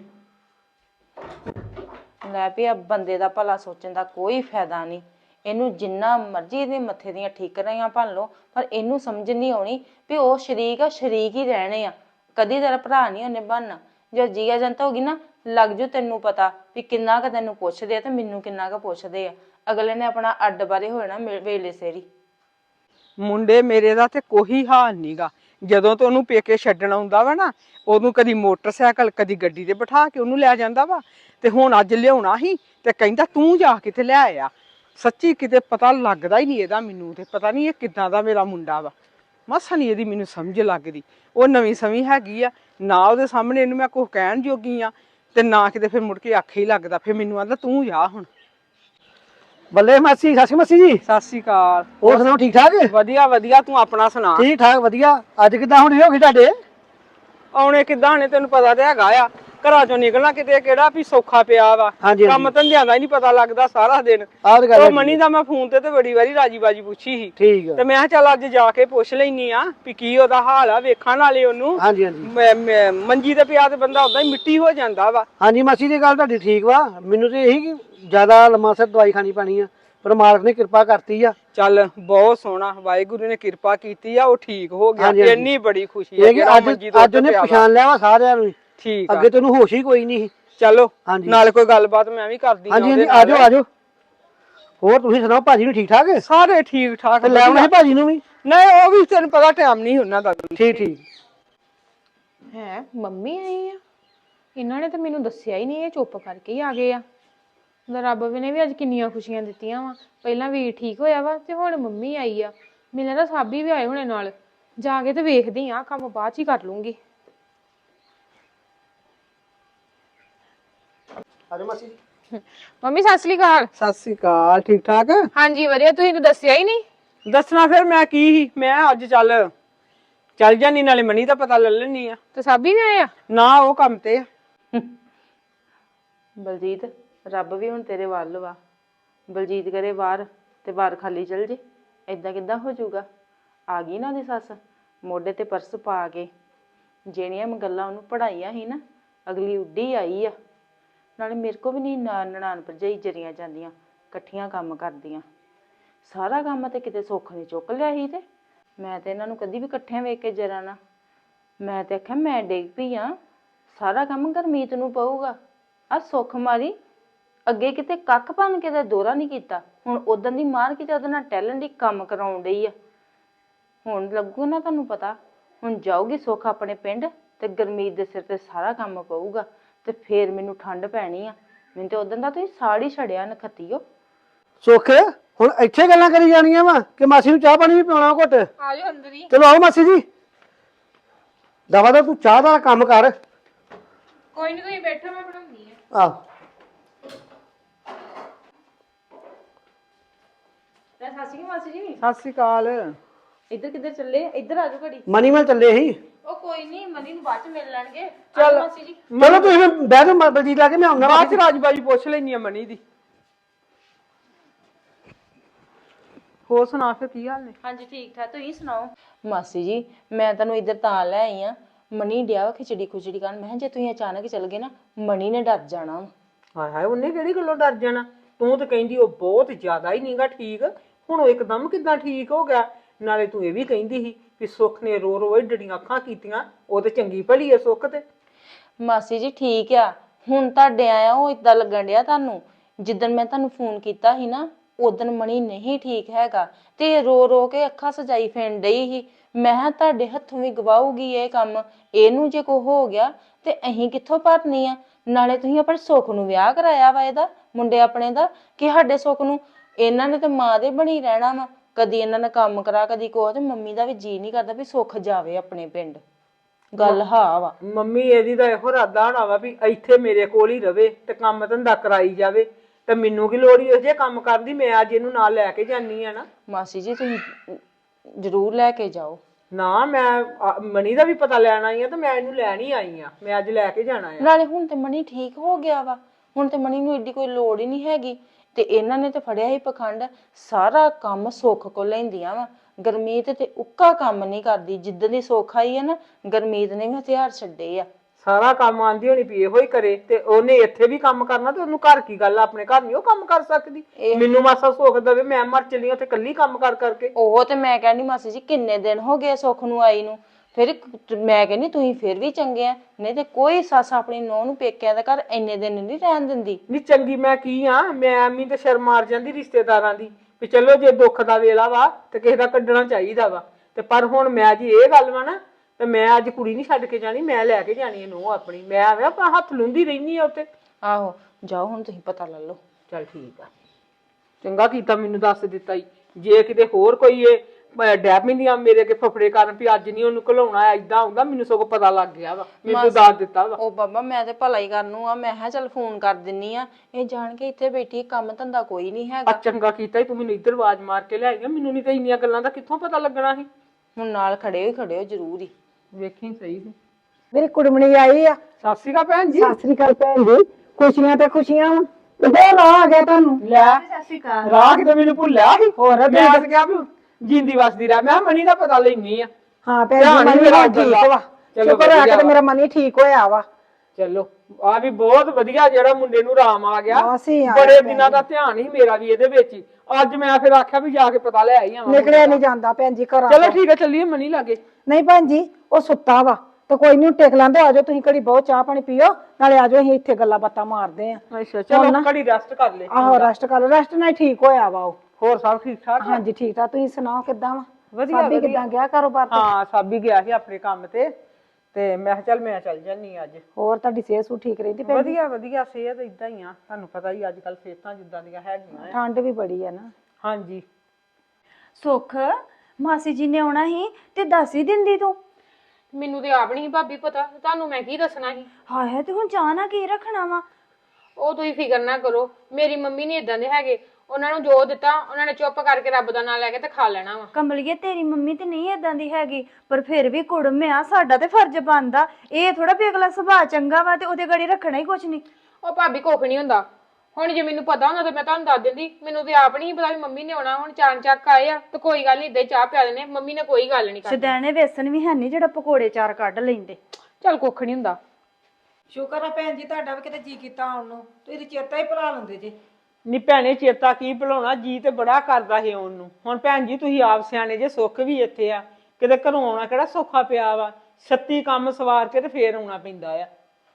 Speaker 5: ਲੈ ਵੀ ਆ ਬੰਦੇ ਦਾ ਭਲਾ ਸੋਚਣ ਦਾ ਕੋਈ ਫਾਇਦਾ ਨਹੀਂ। ਇਹਨੂੰ ਜਿੰਨਾ ਮਰਜ਼ੀ ਇਹਦੇ ਮੱਥੇ ਦੀਆਂ ਠੀਕਰੀਆਂ ਭੰਨ ਲਓ, ਪਰ ਇਹਨੂੰ ਸਮਝ ਨਹੀਂ ਆਉਣੀ ਵੀ ਉਹ ਸ਼ਰੀਕ ਆ, ਸ਼ਰੀਕ ਹੀ ਰਹਿਣੇ ਆ। ਕਦੀ ਤੇਰਾ ਭਰਾ ਨਹੀਂ ਉਹਨੇ ਬਣਨਾ। ਜੇ ਜੀਆ ਜੰਤ ਹੋ ਗਈ ਨਾ, ਲੱਗ ਜੂ ਤੈਨੂੰ ਪਤਾ ਵੀ ਕਿੰਨਾ ਕੁ ਤੈਨੂੰ ਪੁੱਛਦੇ ਆ ਤੇ ਮੈਨੂੰ ਕਿੰਨਾ ਕੁ ਪੁੱਛਦੇ ਆ। ਅਗਲੇ ਨੇ ਆਪਣਾ ਅੱਡ ਬਾਰੇ ਹੋਣਾ ਵੇਲੇ ਸੇਰੀ।
Speaker 7: ਮੁੰਡੇ ਮੇਰੇ ਦਾ ਤੇ ਕੋਈ ਹਾਲ ਨਹੀਂਗਾ। ਜਦੋਂ ਤੋਂ ਉਹਨੂੰ ਪੇਕੇ ਛੱਡਣ ਆਉਂਦਾ ਵਾ ਨਾ, ਉਹਨੂੰ ਕਦੀ ਮੋਟਰਸਾਈਕਲ ਕਦੀ ਗੱਡੀ ਤੇ ਬਿਠਾ ਕੇ ਉਹਨੂੰ ਲੈ ਜਾਂਦਾ ਵਾ। ਤੇ ਹੁਣ ਅੱਜ ਲਿਆਉਣਾ ਸੀ ਤੇ ਕਹਿੰਦਾ ਤੂੰ ਜਾ ਕੇ ਤੇ ਲੈ ਆ। ਸੱਚੀ ਕਿਤੇ ਪਤਾ ਲੱਗਦਾ ਹੀ ਨਹੀਂ ਇਹਦਾ ਮੈਨੂੰ, ਤੇ ਪਤਾ ਨਹੀਂ ਇਹ ਕਿੱਦਾਂ ਦਾ ਮੇਰਾ ਮੁੰਡਾ ਵਾ। ਮਸਾਂ ਨਹੀਂ ਇਹਦੀ ਮੈਨੂੰ ਸਮਝ ਲੱਗਦੀ। ਉਹ ਨਵੀਂ ਸਮੀ ਹੈਗੀ ਆ ਨਾ, ਉਹਦੇ ਸਾਹਮਣੇ ਇਹਨੂੰ ਮੈਂ ਕੁਝ ਕਹਿਣ ਜੋਗੀ ਆ ਤੇ ਨਾ ਕਿਤੇ ਫਿਰ ਮੁੜ ਕੇ ਆਖੇ ਹੀ ਲੱਗਦਾ। ਫਿਰ ਮੈਨੂੰ ਆਂਦਾ ਤੂੰ ਜਾ ਹੁਣ।
Speaker 6: ਬੱਲੇ ਮਾਸੀ, ਸਤਿ ਸ਼੍ਰੀ ਮਾਸੀ ਜੀ।
Speaker 7: ਸਤਿ ਸ੍ਰੀ ਅਕਾਲ।
Speaker 6: ਹੋਰ ਸੁਣਾਓ, ਠੀਕ ਠਾਕ?
Speaker 7: ਵਧੀਆ ਵਧੀਆ, ਤੂੰ ਆਪਣਾ ਸੁਣਾ।
Speaker 6: ਠੀਕ ਠਾਕ ਵਧੀਆ। ਅੱਜ ਕਿੱਦਾਂ ਹੁਣ ਹੋ ਗਈ ਤੁਹਾਡੇ?
Speaker 7: ਆਉਣੇ ਕਿੱਦਾਂ ਨੇ, ਤੈਨੂੰ ਪਤਾ ਤੇ ਹੈਗਾ ਆ। ਘਰਾਂ ਚੋਂ ਨਿਕਲਣਾ ਕਿਤੇ ਕਿਹੜਾ ਵੀ ਸੌਖਾ ਪਿਆ ਵਾ।
Speaker 6: ਹਾਂਜੀ
Speaker 7: ਕੰਮ ਧੰਦਿਆਂ ਦਾ ਹੀ ਨਹੀਂ ਪਤਾ ਲੱਗਦਾ ਸਾਰਾ ਦਿਨ।
Speaker 6: ਆਹ ਤੇ ਗੱਲ
Speaker 7: ਉਹ ਮਣੀ ਦਾ ਮੈਂ ਫੋਨ ਤੇ ਤੇ ਬੜੀ ਵਾਰੀ ਰਾਜੀ ਬਾਜੀ ਪੁੱਛੀ ਸੀ,
Speaker 6: ਠੀਕ ਆ।
Speaker 7: ਤੇ ਮੈਂ ਕਿਹਾ ਚੱਲ ਅੱਜ ਜਾ ਕੇ ਪੁੱਛ ਲੈਣੀ ਆ ਵੀ ਕੀ ਉਹਦਾ ਹਾਲ ਆ, ਵੇਖਣ ਵਾਲੇ ਉਹਨੂੰ।
Speaker 6: ਹਾਂਜੀ ਹਾਂਜੀ
Speaker 7: ਮੈਂ- ਮੈਂ- ਮੰਜੀ ਤੇ ਪਿਆ ਤੇ ਬੰਦਾ ਉਦਾਂ ਹੀ ਮਿੱਟੀ ਹੋ ਜਾਂਦਾ ਵਾ।
Speaker 6: ਹਾਂਜੀ ਮਾਸੀ ਦੀ ਗੱਲ ਤੁਹਾਡੀ ਠੀਕ ਵਾ। ਮੈਨੂੰ ਤੇ ਇਹੀ ਕਿ ਜ਼ਿਆਦਾ ਲੰਮਾ ਸਿਰ ਦਵਾਈ ਖਾਣੀ ਪੈਣੀ ਆ, ਪਰ ਮਾਲਕ ਨੇ ਕਿਰਪਾ ਕਰਤੀ ਆ।
Speaker 7: ਚੱਲ ਬਹੁਤ ਸੋਹਣਾ, ਵਾਹਿਗੁਰੂ ਨੇ ਕਿਰਪਾ ਕੀਤੀ ਆ, ਉਹ ਠੀਕ ਹੋ ਗਿਆ।
Speaker 6: ਹਾਂਜੀ, ਹਾਂਜੀ।
Speaker 7: ਇੰਨੀ ਬੜੀ ਖੁਸ਼ੀ
Speaker 6: ਇਹ
Speaker 7: ਹੈ
Speaker 6: ਕਿ
Speaker 7: ਜਿਹੜਾ
Speaker 6: ਅੱਜ
Speaker 7: ਮੰਜੀ ਤੋਂ
Speaker 6: ਅੱਜ ਉਹਨੇ
Speaker 7: ਪਿਆ ਵਾ।
Speaker 6: ਪਛਾਣ ਲਿਆ ਵਾ ਸਾਰਿਆਂ ਨੂੰ ਹੀ।
Speaker 7: ਠੀਕ ਆ,
Speaker 6: ਅੱਗੇ ਤੈਨੂੰ ਹੋਸ਼ ਹੀ ਕੋਈ ਨਹੀਂ ਸੀ।
Speaker 7: ਚਲੋ
Speaker 6: ਹਾਂਜੀ।
Speaker 7: ਨਾਲ ਕੋਈ ਗੱਲਬਾਤ ਮੈਂ ਵੀ ਕਰਦੀ ਆ
Speaker 6: ਹਾਂਜੀ
Speaker 7: ਉਹਦੇ
Speaker 6: ਹਾਂਜੀ,
Speaker 7: ਨਾਲ।
Speaker 6: ਆਜੋ ਆਜੋ। ਹੋਰ ਤੁਸੀਂ ਸੁਣਾਓ, ਭਾਜੀ ਨੂੰ ਠੀਕ ਠਾਕ?
Speaker 7: ਸਾਰੇ ਠੀਕ ਠਾਕ।
Speaker 6: ਤੇ ਲੈ ਆਉਣਾ ਸੀ ਭਾਜੀ ਨੂੰ ਵੀ?
Speaker 7: ਨਹੀਂ, ਉਹ ਵੀ ਤੈਨੂੰ ਪਤਾ ਟਾਈਮ ਨਹੀਂ ਉਹਨਾਂ ਦਾ।
Speaker 6: ਠੀਕ ਠੀਕ।
Speaker 1: ਹੈ ਮੰਮੀ ਆਈ ਆ, ਇਹਨਾਂ ਨੇ ਤਾਂ ਮੈਨੂੰ ਦੱਸਿਆ ਹੀ ਨਹੀਂ, ਇਹ ਚੁੱਪ ਕਰਕੇ ਹੀ ਆ ਗਏ ਆ। ਰੱਬ ਨੇ ਵੀ ਅੱਜ ਕਿੰਨੀਆਂ ਖੁਸ਼ੀਆਂ ਦਿੱਤੀਆਂ ਵਾ। ਪਹਿਲਾਂ ਵੀਰ ਠੀਕ ਹੋਇਆ ਵਾ ਤੇ ਹੁਣ ਮੰਮੀ ਆਈ ਆ। ਮੈਨੂੰ ਲੱਗਦਾ ਸਾਬੀ ਵੀ ਆਏ ਹੋਣੇ ਨਾਲ। ਜਾ ਕੇ ਤੇ ਵੇਖਦੀ ਆ, ਕੰਮ ਬਾਅਦ ਚ ਹੀ ਕਰ ਲੂੰਗੀ।
Speaker 6: ਆਜੋ ਮਾਸੀ।
Speaker 1: ਮੰਮੀ ਸਤਿ ਸ੍ਰੀ ਅਕਾਲ।
Speaker 7: ਸਤਿ ਸ੍ਰੀ ਅਕਾਲ। ਠੀਕ ਠਾਕ?
Speaker 1: ਹਾਂਜੀ ਵਧੀਆ, ਤੁਸੀਂ ਤਾਂ ਦੱਸਿਆ ਹੀ ਨਹੀਂ।
Speaker 7: ਦੱਸਣਾ ਫਿਰ ਮੈਂ ਕੀ ਸੀ। ਮੈਂ ਅੱਜ ਚੱਲ ਚੱਲ ਜਾਨੀ, ਨਾਲੇ ਮਣੀ ਦਾ ਪਤਾ ਲੈ ਲੈਣੀ ਆ।
Speaker 1: ਤੇ ਸਾਬੀ ਵੀ ਆਏ ਆ?
Speaker 7: ਨਾ ਉਹ ਕੰਮ ਤੇ ਆ।
Speaker 5: ਬਲਜੀਤ, ਰੱਬ ਵੀ ਹੁਣ ਤੇਰੇ ਵੱਲ ਵਾ। ਬਲਜੀਤ ਕਰੇ ਬਾਹਰ ਤੇ ਬਾਹਰ ਖਾਲੀ ਚਲ ਜੇ, ਏਦਾਂ ਕਿੱਦਾਂ ਹੋ ਜਾਊਗਾ? ਆ ਗਈ ਨਾ ਉਹਦੀ ਸੱਸ, ਮੋਢੇ ਤੇ ਪਰਸ ਪਾ ਕੇ ਜਿਹੜੀਆਂ ਮੈਂ ਗੱਲਾਂ ਉਹਨੂੰ ਪੜਾਈਆਂ ਸੀ ਨਾ ਅਗਲੀ ਉੱਡੀ ਆਈ ਆ। ਨਾਲੇ ਮੇਰੇ ਕੋ ਵੀ ਨਹੀਂ ਨਨਾਣ ਭਰਜਾਈ ਜਰੀਆਂ ਜਾਂਦੀਆਂ, ਇਕੱਠੀਆਂ ਕੰਮ ਕਰਦੀਆਂ। ਸਾਰਾ ਕੰਮ ਤੇ ਕਿਤੇ ਸੁੱਖ ਨੇ ਚੁੱਕ ਲਿਆ ਸੀ ਤੇ ਮੈਂ ਤੇ ਇਹਨਾਂ ਨੂੰ ਕਦੀ ਵੀ ਇਕੱਠਿਆਂ ਵੇਖ ਕੇ ਜਰਾ ਨਾ। ਮੈਂ ਤੇ ਆਖਿਆ ਮੈਂ ਡਿੱਗ ਪਈ ਆ, ਸਾਰਾ ਕੰਮ ਗੁਰਮੀਤ ਨੂੰ ਪਊਗਾ। ਆ ਸੁੱਖ ਮਾਰੀ ਅੱਗੇ ਕਿਤੇ ਕੱਖ ਭੰਨ ਕੇ ਦਾ ਦੋਰਾ ਨਹੀਂ ਕੀਤਾ, ਹੁਣ ਉਦੋਂ ਦੀ ਮਾਰ ਕਿਤੇ ਉਹਦੇ ਨਾਲ ਟੈਲੈਂਟ ਦੀ ਕੰਮ ਕਰਾਉਣ ਡਈ ਆ। ਹੁਣ ਲੱਗੂ ਨਾ ਤੁਹਾਨੂੰ ਪਤਾ, ਹੁਣ ਜਾਊਗੀ ਸੁੱਖ ਆਪਣੇ ਪਿੰਡ ਤੇ ਗੁਰਮੀਤ ਦੇ ਸਿਰ ਤੇ ਸਾਰਾ ਕੰਮ ਪਊਗਾ ਤੇ ਫੇਰ ਮੈਨੂੰ ਠੰਡ ਪੈਣੀ ਆ। ਮੈਨੂੰ ਤੇ ਉਦੋਂ ਦਾ ਤੁਸੀਂ ਸਾੜੀ ਛੜਿਆ ਨਖੱਤੀਓ।
Speaker 6: ਸੁੱਖ ਹੁਣ ਇੱਥੇ ਗੱਲਾਂ ਕਰੀ ਜਾਣੀਆਂ ਵਾ ਕਿ ਮਾਸੀ ਨੂੰ ਚਾਹ ਪਾਣੀ ਵੀ ਪਿਉਣਾ ਘੁੱਟ?
Speaker 1: ਆ ਜਾਓ ਅੰਦਰ ਹੀ।
Speaker 6: ਚਲੋ ਆਓ ਮਾਸੀ ਜੀ, ਦਵਾ ਦਾ ਤੂੰ ਚਾਹ ਦਾ ਕੰਮ ਕਰ।
Speaker 1: ਕੋਈ ਨਹੀਂ, ਤੁਸੀਂ ਬੈਠੋ, ਮੈਂ ਬਣਾਉਂਦੀ ਆ।
Speaker 6: ਆਹ
Speaker 5: ਸਤਿ ਸ਼੍ਰੀ ਅਕਾਲ ਮਾਸੀ ਜੀ।
Speaker 7: ਸਤਿ ਸ਼੍ਰੀ ਅਕਾਲ।
Speaker 5: ਇੱਧਰ ਕਿੱਧਰ ਚੱਲੇ? ਇੱਧਰ ਆ ਜਾਓ ਘੜੀ।
Speaker 6: ਮਨੀ ਮੈਂ ਚੱਲੇ ਸੀ।
Speaker 5: ਉਹ ਕੋਈ ਨਹੀਂ, ਮਨੀ ਨੂੰ ਬਾਅਦ ਚ ਮਿਲ ਲੈਣਗੇ।
Speaker 7: ਚੱਲ
Speaker 5: ਮਾਸੀ ਜੀ
Speaker 6: ਚਲੋ ਤੁਸੀਂ ਬਹਿ ਜਾਓ, ਮੈਂ ਬਲਜੀਤ ਲਾ ਕੇ ਮੈਂ ਆਉਂਦਾ।
Speaker 7: ਬਾਅਦ ਚ ਰਾਜਬਾਜੀ ਪੁੱਛ ਲੈਣੀ ਆ ਮਨੀ ਦੀ। ਹੋਰ ਸੁਣਾ ਫਿਰ ਕੀ ਹਾਲ ਨੇ?
Speaker 5: ਹਾਂਜੀ ਠੀਕ ਠਾਕ, ਤੁਸੀਂ ਸੁਣਾਓ? ਮਾਸੀ ਜੀ ਮੈਂ ਤੁਹਾਨੂੰ ਇੱਧਰ ਤਾਂ ਲੈ ਆਈ ਆ, ਮਨੀ ਡਿਆ ਵਾ ਖਿਚੜੀ ਖੁਚੜੀ ਕਰਨ। ਮੈਂ ਕਿਹਾ ਜੇ ਤੁਸੀਂ ਅਚਾਨਕ ਚੱਲ ਗਏ ਨਾ ਮਨੀ ਨੇ ਡਰ ਜਾਣਾ ਵਾ।
Speaker 7: ਹਾਏ ਹਾਏ, ਉਹਨੇ ਕਿਹੜੀ ਗੱਲੋਂ ਡਰ ਜਾਣਾ? ਤੂੰ ਤਾਂ ਕਹਿੰਦੀ ਉਹ ਬਹੁਤ ਜ਼ਿਆਦਾ ਹੀ ਨੀਗਾ ਠੀਕ, ਹੁਣ ਉਹ ਇੱਕਦਮ ਕਿੱਦਾਂ ਠੀਕ ਹੋ ਗਿਆ? ਨਾਲੇ ਤੂੰ ਇਹ ਵੀ ਕਹਿੰਦੀ ਸੀ ਕਿ ਸੁੱਖ ਨੇ ਰੋ ਰੋ ਏਡੀਆਂ ਅੱਖਾਂ ਕੀਤੀਆਂ, ਉਹ ਤੇ ਚੰਗੀ ਭਲੀ ਐ ਸੁੱਖ ਤੇ।
Speaker 5: ਮਾਸੀ ਜੀ ਠੀਕ ਆ, ਹੁਣ ਤੁਹਾਡੇ ਆਇਆ ਉਹ ਇਦਾਂ ਲੱਗਣ ਡਿਆ ਤੁਹਾਨੂੰ। ਜਿੱਦਣ ਮੈਂ ਤੁਹਾਨੂੰ ਫੋਨ ਕੀਤਾ ਸੀ ਨਾ ਉਦਣ ਮਣੀ ਨਹੀਂ ਠੀਕ ਹੈਗਾ ਤੇ ਰੋ ਰੋ ਕੇ ਅੱਖਾਂ ਸਜਾਈ ਫੇਣ ਡਈ ਸੀ। ਮੈਂ ਕਿਹਾ ਤੁਹਾਡੇ ਹੱਥੋਂ ਵੀ ਗਵਾਊਗੀ ਇਹ ਕੰਮ, ਇਹਨੂੰ ਜੇ ਕੋ ਹੋ ਗਿਆ ਤੇ ਅਹੀਂ ਕਿੱਥੋਂ ਭਰਨੀ ਆ? ਨਾਲੇ ਤੁਸੀਂ ਆਪਣੇ ਸੁੱਖ ਨੂੰ ਵਿਆਹ ਕਰਾਇਆ ਵਾ ਇਹਦਾ, ਮੁੰਡੇ ਆਪਣੇ ਦਾ, ਕਿ ਸਾਡੇ ਸੁੱਖ ਨੂੰ ਇਹਨਾਂ ਨੇ ਤੇ ਮਾਂ ਦੇ ਬਣੀ ਰਹਿਣਾ ਵਾ। ਕਦੀ ਇਹਨਾਂ ਨੇ ਕੰਮ ਕਰਾ ਕਦੀ ਕੋ, ਤੇ ਮੰਮੀ ਦਾ ਵੀ ਜੀ ਨਹੀਂ ਕਰਦਾ ਵੀ ਸੁੱਖ ਜਾਵੇ ਆਪਣੇ ਪਿੰਡ। ਗੱਲ ਹਾਂ ਵਾ।
Speaker 7: ਮੰਮੀ ਇਹਦੀ ਤਾਂ ਇਹੋ ਇਰਾਦਾ ਹੋਣਾ ਵਾ ਵੀ ਇੱਥੇ ਮੇਰੇ ਕੋਲ ਹੀ ਰਵੇ ਤੇ ਕੰਮ ਧੰਦਾ ਕਰਾਈ ਜਾਵੇ, ਤੇ ਮੈਨੂੰ ਕੀ ਲੋੜ ਇਹੋ ਜਿਹੇ ਕੰਮ ਕਰਨ ਦੀ? ਮੈਂ ਅੱਜ ਇਹਨੂੰ ਨਾਲ ਲੈ ਕੇ ਜਾਨੀ ਆ ਨਾ।
Speaker 5: ਮਾਸੀ ਜੀ ਤੁਸੀਂ ਜ਼ਰੂਰ ਲੈ ਕੇ ਜਾਓ।
Speaker 7: ਨਾ ਮੈਂ ਆ, ਮਣੀ ਦਾ ਵੀ ਪਤਾ ਲੈਣ ਆਈ ਆ ਤੇ ਮੈਂ ਇਹਨੂੰ ਲੈਣ ਹੀ ਆਈ ਆ, ਮੈਂ ਅੱਜ ਲੈ ਕੇ ਜਾਣਾ ਆ।
Speaker 5: ਨਾਲੇ ਹੁਣ ਤੇ ਮਣੀ ਠੀਕ ਹੋ ਗਿਆ ਵਾ, ਹੁਣ ਤੇ ਮਣੀ ਨੂੰ ਏਡੀ ਕੋਈ ਲੋੜ ਹੀ ਨਹੀਂ ਹੈਗੀ। ਤੇ ਇਹਨਾਂ ਨੇ ਤੇ ਫੜਿਆ ਹੀ ਪਖੰਡ, ਸਾਰਾ ਕੰਮ ਸੁੱਖ ਕੋ ਲੈਂਦੀਆਂ ਵਾ। ਗੁਰਮੀਤ ਤੇ ਉੱਕਾ ਕੰਮ ਨਹੀਂ ਕਰਦੀ। ਜਿੱਦਾਂ ਦੀ ਸੁੱਖ ਆਈ ਹੈ ਨਾ ਗੁਰਮੀਤ ਨੇ ਵੀ ਹਥਿਆਰ ਛੱਡੇ ਆ।
Speaker 7: ਸਾਰਾ ਕੰਮ ਆਂਦੀ ਹੋਣੀ ਵੀ ਇਹੋ ਹੀ ਕਰੇ, ਤੇ ਉਹਨੇ ਇੱਥੇ ਵੀ ਕੰਮ ਕਰਨਾ, ਤੇ ਉਹਨੂੰ ਘਰ ਕੀ ਗੱਲ ਆ? ਆਪਣੇ ਘਰ ਨਹੀਂ ਉਹ ਕੰਮ ਕਰ ਸਕਦੀ? ਮੈਨੂੰ ਮਾਸਾ ਸੁੱਖ ਦਵੇ, ਮੈਂ ਮਰ ਚੱਲੀ ਉੱਥੇ ਕੱਲੀ ਕੰਮ ਕਰ ਕਰਕੇ।
Speaker 5: ਉਹ ਤੇ ਮੈਂ ਕਹਿੰਦੀ ਮਾਸੀ ਜੀ ਕਿੰਨੇ ਦਿਨ ਹੋ ਗਏ ਸੁੱਖ ਨੂੰ ਆਈ ਨੂੰ, ਫਿਰ ਮੈਂ ਕਹਿੰਦੀ ਤੁਸੀਂ ਫਿਰ ਵੀ ਚੰਗੇ ਆ। ਨਹੀਂ ਤੇ ਕੋਈ ਸੱਸ ਆਪਣੀ ਨੂੰਹ ਨੂੰ ਪੇਕਿਆਂ ਦਾ ਘਰ ਇੰਨੇ ਦਿਨ ਨਹੀਂ ਰਹਿਣ ਦਿੰਦੀ।
Speaker 7: ਨਹੀਂ ਚੰਗੀ ਮੈਂ ਕੀ ਆ? ਮੈਂ ਐਵੇਂ ਤੇ ਸ਼ਰਮ ਮਾਰ ਜਾਂਦੀ ਰਿਸ਼ਤੇਦਾਰਾਂ ਦੀ ਵੀ ਚਲੋ ਜੇ ਦੁੱਖ ਦਾ ਵੇਲਾ ਵਾ ਤੇ ਕਿਸੇ ਦਾ ਕੱਢਣਾ ਚਾਹੀਦਾ ਵਾ। ਤੇ ਪਰ ਹੁਣ ਮੈਂ ਜੀ ਇਹ ਗੱਲ ਵਾ ਨਾ, ਤੇ ਮੈਂ ਅੱਜ ਕੁੜੀ ਨਹੀਂ ਛੱਡ ਕੇ ਜਾਣੀ, ਮੈਂ ਲੈ ਕੇ ਜਾਣੀ ਇਹਨੂੰ ਆਪਣੀ। ਮੈਂ ਆਵੇ ਆਪਾਂ ਹੱਥ ਲੁੰਦੀ ਰਹਿਨੀ ਆ ਉੱਤੇ।
Speaker 5: ਆਹੋ ਜਾਓ ਹੁਣ ਤੁਸੀਂ ਪਤਾ ਲੈ ਲਓ।
Speaker 7: ਚੱਲ ਠੀਕ ਆ, ਚੰਗਾ ਕੀਤਾ ਮੈਨੂੰ ਦੱਸ ਦਿੱਤਾ ਈ। ਜੇ ਕਿਤੇ ਹੋਰ ਕੋਈ ਇਹ ਡੈਪਿੰਦੀਆਂ ਮੇਰੇ ਅੱਗੇ ਫਫੜੇ ਕਰਨ ਵੀ ਅੱਜ ਨਹੀਂ ਉਹਨੂੰ ਘਲਾਉਣਾ ਏਦਾਂ ਹੁੰਦਾ, ਮੈਨੂੰ ਸਗੋਂ ਪਤਾ ਲੱਗ ਗਿਆ ਵਾ, ਮੈਨੂੰ ਦੱਸ ਦਿੱਤਾ ਵਾ।
Speaker 5: ਉਹ ਬਾਬਾ ਮੈਂ ਤੇ ਭਲਾ ਹੀ ਕਰਨ ਨੂੰ ਆ, ਮੈਂ ਕਿਹਾ ਚੱਲ ਫੋਨ ਕਰ ਦਿੰਨੀ ਆ, ਇਹ ਜਾਣ ਕੇ ਇੱਥੇ ਬੈਠੀ, ਕੰਮ ਧੰਦਾ ਕੋਈ ਨਹੀਂ ਹੈਗਾ।
Speaker 7: ਚੰਗਾ ਕੀਤਾ ਈ ਤੂੰ ਮੈਨੂੰ ਇੱਧਰ ਆਵਾਜ਼ ਮਾਰ ਕੇ ਲਿਆਈ ਆ, ਮੈਨੂੰ ਨਹੀਂ ਤਾਂ ਇੰਨੀਆਂ ਗੱਲਾਂ ਦਾ ਕਿੱਥੋਂ ਪਤਾ ਲੱਗਣਾ ਸੀ।
Speaker 5: ਹੁਣ ਨਾਲ ਖੜੇ ਹੋ ਖੜੇ ਹੋ ਜ਼ਰੂਰ ਹੀ।
Speaker 7: ਵੇਖੀ ਸਹੀ ਸੀ।
Speaker 4: ਮੇਰੀ ਕੁੜਮਣੀ ਆਈ ਆ।
Speaker 7: ਸਤਿ ਸ਼੍ਰੀ ਅਕਾਲ ਭੈਣ ਜੀ।
Speaker 4: ਸਤਿ ਸ੍ਰੀ ਅਕਾਲ ਭੈਣ ਜੀ। ਖੁਸ਼ੀਆਂ ਤੇ ਖੁਸ਼ੀਆਂ ਵਾ, ਕਿਤੇ ਰਾਹ ਆ ਗਿਆ ਤੁਹਾਨੂੰ।
Speaker 7: ਲੈ ਰਾਹ ਕਿਤੇ ਮੈਨੂੰ ਭੁੱਲਿਆ ਸੀ।
Speaker 4: ਹੋਰ
Speaker 7: ਮੈਂ ਤਾਂ ਕਿਹਾ ਵੀ ਜਿੰਦੀ ਵਸਦੀ ਰਹਿ, ਮੈਂ ਮਣੀ ਦਾ ਪਤਾ ਲੈਣੀ ਆ।
Speaker 4: ਹਾਂ ਭੈਣ ਜੀ ਮਨੀ ਹੁਣ ਠੀਕ ਵਾ, ਸ਼ੁਕਰ ਹੈ ਕਿ ਮੇਰਾ ਮਨੀ ਠੀਕ ਹੋਇਆ ਵਾ।
Speaker 7: ਚਲੋ ਆ ਵੀ ਬਹੁਤ ਵਧੀਆ ਜਿਹੜਾ ਮੁੰਡੇ ਨੂੰ ਆਰਾਮ ਆ ਗਿਆ।
Speaker 4: ਅਸੀਂ ਆਏ
Speaker 7: ਬੜੇ ਦਿਨਾਂ ਦਾ ਧਿਆਨ ਹੀ ਮੇਰਾ ਵੀ ਇਹਦੇ ਵਿੱਚ ਹੀ। ਅੱਜ ਮੈਂ ਫਿਰ ਆਖਿਆ ਵੀ ਜਾ ਕੇ ਪਤਾ ਲੈ ਆਈ ਆਵਾਂ।
Speaker 4: ਨਿਕਲਿਆ ਨਹੀਂ ਜਾਂਦਾ ਭੈਣ ਜੀ ਘਰਾਂ
Speaker 7: ਚਲੋ ਠੀਕ ਹੈ ਚੱਲੀਏ ਮਨੀ ਲਾਗੇ।
Speaker 4: ਨਹੀਂ ਭੈਣ ਜੀ ਉਹ ਸੁੱਤਾ ਵਾ, ਤੇ ਕੋਈ ਨਹੀਂ ਟੇਕ ਲਾਂਦੇ, ਆਜੋ ਤੁਸੀਂ ਘੜੀ ਬਹੁਤ ਚਾਹ ਪਾਣੀ ਪੀਓ, ਨਾਲੇ ਆਜੋ ਅਸੀਂ ਇੱਥੇ ਗੱਲਾਂ ਬਾਤਾਂ ਮਾਰਦੇ ਆ।
Speaker 7: ਅੱਛਾ ਚਲੋ ਘੜੀ ਰੈਸਟ ਕਰ ਲੈ।
Speaker 4: ਆਹੋ ਰੈਸਟ ਕਰ ਲਓ, ਰੈਸਟ ਨਾਲ ਠੀਕ ਹੋਇਆ ਵਾ ਉਹ।
Speaker 7: ਹੋਰ ਸਭ ਠੀਕ ਠਾਕ?
Speaker 4: ਹਾਂਜੀ ਠੀਕ ਠਾਕ, ਤੁਸੀਂ ਸੁਣਾਓ ਕਿੱਦਾਂ ਵਾ?
Speaker 7: ਵਧੀਆ
Speaker 4: ਸਾਬੀ ਕਿੱਦਾਂ ਗਿਆ ਕਾਰੋਬਾਰ ਤੇ?
Speaker 7: ਹਾਂ ਸਾਬੀ ਗਿਆ ਸੀ ਆਪਣੇ ਕੰਮ ਤੇ, ਤੇ ਮੈਂ ਕਿਹਾ ਚੱਲ ਮੈਂ ਚੱਲ ਜਾਨੀ ਅੱਜ।
Speaker 4: ਹੋਰ ਤੁਹਾਡੀ ਸਿਹਤ ਸੂ ਠੀਕ ਰਹਿੰਦੀ ਭੈਣ ਜੀ?
Speaker 7: ਵਧੀਆ ਵਧੀਆ ਸਿਹਤ ਇਦਾਂ ਹੀ ਆ, ਤੁਹਾਨੂੰ ਪਤਾ ਹੀ ਅੱਜ ਕੱਲ ਸਿਹਤਾਂ ਜਿੱਦਾਂ ਦੀਆਂ ਹੈਗੀਆਂ ਆ।
Speaker 4: ਠੰਡ ਵੀ ਬੜੀ ਆ ਨਾ।
Speaker 7: ਹਾਂਜੀ
Speaker 2: ਸੁੱਖ ਮਾਸੀ ਜੀ ਨੇ ਆਉਣਾ ਸੀ ਤੇ ਦੱਸ ਹੀ ਦਿੰਦੀ ਤੂੰ।
Speaker 1: ਮੈਨੂੰ ਤੇ ਆਪ ਨਹੀਂ ਭਾਬੀ ਪਤਾ, ਤੁਹਾਨੂੰ ਮੈਂ ਕੀ ਦੱਸਣਾ ਸੀ।
Speaker 2: ਹਾਏ ਤੇ ਹੁਣ ਚਾਹ ਨਾ ਕੀ ਰੱਖਣਾ ਵਾ?
Speaker 1: ਉਹ ਤੁਸੀਂ ਫਿਕਰ ਨਾ ਕਰੋ, ਮੇਰੀ ਮੰਮੀ ਨਹੀਂ ਇਦਾਂ ਦੇ ਹੈਗੇ। ਉਹਨਾਂ ਨੂੰ ਜੋ ਦਿੱਤਾ ਉਹਨਾਂ ਨੇ ਚੁੱਪ ਕਰਕੇ ਰੱਬ ਦਾ ਨਾਮ ਲੈ ਕੇ ਤੇ ਖਾ ਲੈਣਾ ਵਾ।
Speaker 2: ਕਮਲੀਏ ਤੇਰੀ ਮੰਮੀ ਤੇ ਨਹੀਂ ਏਦਾਂ ਦੀ ਹੈਗੀ, ਪਰ ਫਿਰ ਵੀ ਕੁੜਮ ਆ, ਸਾਡਾ ਤੇ ਫਰਜ਼ ਬਣਦਾ। ਇਹ ਥੋੜਾ ਵੀ ਅਗਲਾ ਸੁਭਾਅ ਚੰਗਾ ਵਾ ਤੇ ਉਹਦੇ ਗੜੀ ਰੱਖਣਾ ਹੀ ਕੁਛ ਨਹੀਂ।
Speaker 1: ਉਹ ਭਾਬੀ ਕੁੱਖ ਨਹੀਂ ਹੁੰਦਾ। ਹੁਣ ਜੇ ਮੈਨੂੰ ਪਤਾ ਹੁੰਦਾ ਤਾਂ ਮੈਂ ਤੁਹਾਨੂੰ ਦੱਸ ਦਿੰਦੀ। ਮੈਨੂੰ ਤੇ ਆਪ ਨਹੀਂ ਪਤਾ ਵੀ ਮੰਮੀ ਨੇ ਆਉਣਾ। ਹੁਣ ਚਾਰ ਚੱਕ ਆਏ ਆ ਤੇ ਕੋਈ ਗੱਲ ਨਹੀਂ, ਏਦਾਂ ਹੀ ਚਾਹ ਪਿਆ ਦੇਣੇ। ਮੰਮੀ ਨੇ ਕੋਈ ਗੱਲ ਨਹੀਂ ਕਰਨੀ।
Speaker 2: ਸ਼ਦੈਣੇ ਵੇਸਣ ਵੀ ਹੈ ਨਹੀਂ ਜਿਹੜਾ ਪਕੌੜੇ ਚਾਰ ਕੱਢ ਲੈਂਦੇ।
Speaker 1: ਚੱਲ ਕੁੱਖ ਨਹੀਂ ਹੁੰਦਾ।
Speaker 4: ਸ਼ੁਕਰ ਆ ਭੈਣ ਜੀ ਤੁਹਾਡਾ ਵੀ ਕਿਤੇ ਜੀ ਕੀਤਾ ਆਉਣ ਨੂੰ, ਤੁਸੀਂ ਤੇ ਚੇਤਾ ਹੀ ਭੁਲਾ ਲੈਂਦੇ ਜੇ।
Speaker 7: ਨੀ ਭੈਣੇ ਚੇਤਾ ਕੀ ਭੁਲਾਉਣਾ, ਜੀ ਤੇ ਬੜਾ ਕਰਦਾ ਸੀ ਆਉਣ ਨੂੰ। ਹੁਣ ਭੈਣ ਜੀ ਤੁਸੀਂ ਆਪ ਸਿਆਣੇ ਜੇ, ਸੁੱਖ ਵੀ ਇੱਥੇ ਆ, ਕਿਤੇ ਘਰੋਂ ਆਉਣਾ ਕਿਹੜਾ ਸੌਖਾ ਪਿਆ ਵਾ। ਛੱਤੀ ਕੰਮ ਸਵਾਰ ਕੇ ਤੇ ਫੇਰ ਆਉਣਾ ਪੈਂਦਾ ਆ।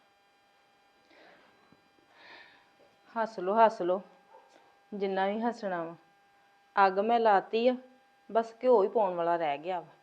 Speaker 5: ਹੱਸ ਲੋ ਹੱਸ ਲੋ, ਜਿੰਨਾ ਵੀ ਹੱਸਣਾ ਵਾ। ਅੱਗ ਮੈਂ ਲਾਤੀ ਆ, ਬਸ ਘਿਓ ਹੀ ਪਾਉਣ ਵਾਲਾ ਰਹਿ ਗਿਆ ਵਾ।